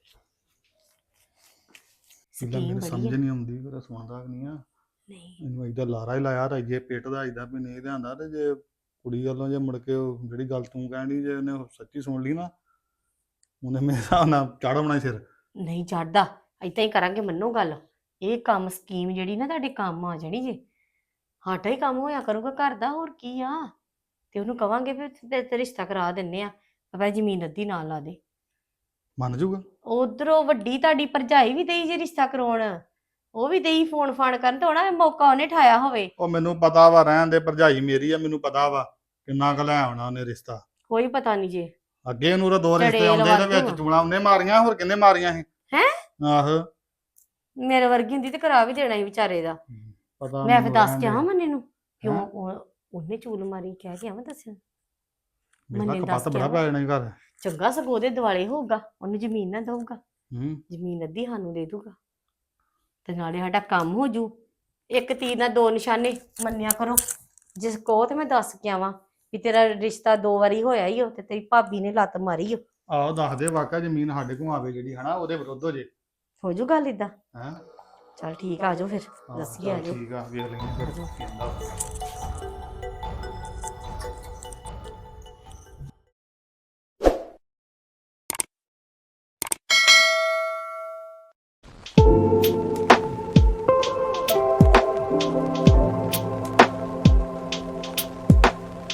[SPEAKER 3] ਸਿੱਧਾ
[SPEAKER 6] ਸਕੀਮ
[SPEAKER 3] ਮੈਨੂੰ
[SPEAKER 6] ਬੜੀ
[SPEAKER 3] ਸਮਝ
[SPEAKER 6] ਆ।
[SPEAKER 3] ਨਹੀਂ ਆਉਂਦੀ ਪਰ ਸੁਣਦਾ ਵੀ ਨਹੀਂ ਆ।
[SPEAKER 6] ਨਹੀਂ
[SPEAKER 3] ਇਹਨੂੰ ਏਦਾਂ ਲਾਰਾ ਹੀ ਲਾਇਆ ਤਾਂ ਜੇ ਪਿੱਟਦਾ ਏਦਾਂ ਵੀ ਨਹੀਂ ਲਿਆਂਦਾ ਤੇ ਜੇ ਕੁੜੀ ਵੱਲੋਂ ਜੇ ਮੁੜ ਕੇ ਉਹ ਜਿਹੜੀ ਗੱਲ ਤੂੰ ਕਹਿਣੀ ਜੇ ਉਹਨੇ ਉਹ ਸੱਚੀ ਸੁਣ ਲਈ ਨਾ ਉਹਨੇ ਮੇਰੇ ਹਿਸਾਬ ਨਾਲ ਚਾੜ ਹੋਣਾ ਸਿਰ।
[SPEAKER 6] ਨਹੀਂ ਚੜਦਾ ਏਦਾਂ ਹੀ ਕਰਾਂਗੇ ਮੰਨੋ ਗੱਲ। ਇਹ ਕੰਮ ਸਕੀਮ ਜਿਹੜੀ ਨਾ ਤੁਹਾਡੇ ਕੰਮ ਆ ਜਾਣੀ ਜੇ। ਸਾਡਾ ਹੀ ਕੰਮ ਹੋਇਆ ਕਰੂਗਾ ਘਰ ਦਾ ਹੋਰ ਕੀ ਆ। ਤੇ ਉਹਨੂੰ ਕਵਾਂਗੇ ਵੀ ਤੇ ਤੇ ਰਿਸ਼ਤਾ ਕਰਾ ਦਿੰਨੇ ਆ ਭਾਵੇਂ ਜ਼ਮੀਨ ਅੱਧੀ ਨਾਲ ਲਾ ਦੇ।
[SPEAKER 3] ਮੰਨ ਜਾਊਗਾ?
[SPEAKER 6] ਉਧਰੋਂ ਵੱਡੀ ਤੁਹਾਡੀ ਭਰਜਾਈ ਵੀ ਦੇਈ ਜੇ ਰਿਸ਼ਤਾ ਕਰਾਉਣ ਉਹ ਵੀ ਦੇਈ ਫੋਨ ਫਾਨ ਕਰਨ ਤੇ ਹੋਣਾ ਮੌਕਾ ਉਹਨੇ ਠਾਇਆ ਹੋਵੇ।
[SPEAKER 3] ਉਹ ਮੈਨੂੰ ਪਤਾ ਵਾ ਰਹਿਣ ਦੇ ਭਰਜਾਈ ਮੇਰੀ ਆ ਮੈਨੂੰ ਪਤਾ ਵਾ ਕਿੰਨਾ ਕੁ ਲੈ ਆਉਣਾ ਉਹਨੇ ਰਿਸ਼ਤਾ।
[SPEAKER 6] ਕੋਈ ਪਤਾ ਨਹੀਂ ਜੇ।
[SPEAKER 3] ਅੱਗੇ ਉਹਨੂੰ ਤਾਂ ਦੋ ਰਿਸ਼ਤੇ
[SPEAKER 6] ਚੜੇਲ
[SPEAKER 3] ਆਉਂਦੇ ਤੇ
[SPEAKER 6] ਵਾਧੂ ਆ।
[SPEAKER 3] ਵਿੱਚ ਚੂਣਾ ਉਹਨੇ ਮਾਰੀਆਂ ਹੋਰ ਕਿੰਨੇ ਮਾਰੀਆਂ ਸੀ?
[SPEAKER 6] ਹੈਂ?
[SPEAKER 3] ਆਹੋ
[SPEAKER 6] ਮੇਰੇ ਵਰਗੀ ਹੁੰਦੀ ਤੇ ਕਰਾ ਵੀ ਦੇਣਾ ਸੀ ਵਿਚਾਰੇ ਦਾ।
[SPEAKER 3] ਪਤਾ
[SPEAKER 6] ਮੈਂ ਫਿਰ
[SPEAKER 3] ਮੈਨੂੰ
[SPEAKER 6] ਦੱਸ
[SPEAKER 3] ਰਹਿਣ
[SPEAKER 6] ਕੇ
[SPEAKER 3] ਦੇ।
[SPEAKER 6] ਆਵਾਂ ਮੰਨੇ ਨੂੰ ਕਿਉਂ
[SPEAKER 3] ਹੈਂ?
[SPEAKER 6] ਉਹ- ਉਹਨੇ ਚੂਲ ਮਾਰੀ ਕਹਿ ਕੇ ਆਵਾਂ ਦੱਸਿਆ
[SPEAKER 3] ਮੇਰਾ
[SPEAKER 6] ਮੰਨੇ ਦੱਸ
[SPEAKER 3] ਕਪੱਤ
[SPEAKER 6] ਕੇ
[SPEAKER 3] ਬੜਾ
[SPEAKER 6] ਆਵਾਂ।
[SPEAKER 3] ਪੈ ਜਾਣਾ ਈ ਘਰ।
[SPEAKER 6] ਚੰਗਾ ਸਗੋਂ ਉਹਦੇ ਦਿਵਾਲੇ ਹੋਊਗਾ ਉਹਨੂੰ ਜ਼ਮੀਨ ਨਾ ਦਊਗਾ
[SPEAKER 3] ਹੂੰ
[SPEAKER 6] ਜ਼ਮੀਨ ਅੱਧੀ ਸਾਨੂੰ ਦੇ ਦੂਗਾ ਤੇ ਨਾਲੇ ਸਾਡਾ ਕੰਮ ਹੋ ਜੂ। ਇੱਕ ਤੀਰ ਨਾਲ ਦੋ ਨਿਸ਼ਾਨੇ ਮੰਨਿਆ ਕਰੋ। ਜਿਸ ਕੋ ਤੇ ਮੈਂ ਦੱਸ ਕੇ ਆਵਾਂ ਵੀ ਤੇਰਾ ਰਿਸ਼ਤਾ ਦੋ ਵਾਰੀ ਹੋਇਆ ਹੀ ਹੋ ਤੇ ਤੇਰੀ ਭਾਬੀ ਨੇ ਲੱਤ ਮਾਰੀ ਹੋ।
[SPEAKER 3] ਆਹੋ ਦੱਸ ਦੇ ਵਾਕਾ ਜ਼ਮੀਨ ਸਾਡੇ ਕੋਲ ਆਵੇ ਜਿਹੜੀ ਹਨਾ ਉਹਦੇ ਵਿਰੁੱਧ ਹੋ ਜੇ।
[SPEAKER 6] ਹੋ ਜੂ ਗੱਲ ਇਦਾਂ?
[SPEAKER 3] ਹੈਂ?
[SPEAKER 6] ਚਲ ਠੀਕ ਆ, ਆ ਜਾਓ ਫਿਰ
[SPEAKER 3] ਆਹੋ,
[SPEAKER 6] ਦੱਸੀਏ ਆ
[SPEAKER 3] ਚੱਲ
[SPEAKER 6] ਜਾਓ।
[SPEAKER 3] ਠੀਕ ਆ ਵੇਖ ਲੈਂਦੇ ਫਿਰ ਕੀ ਕਹਿੰਦਾ।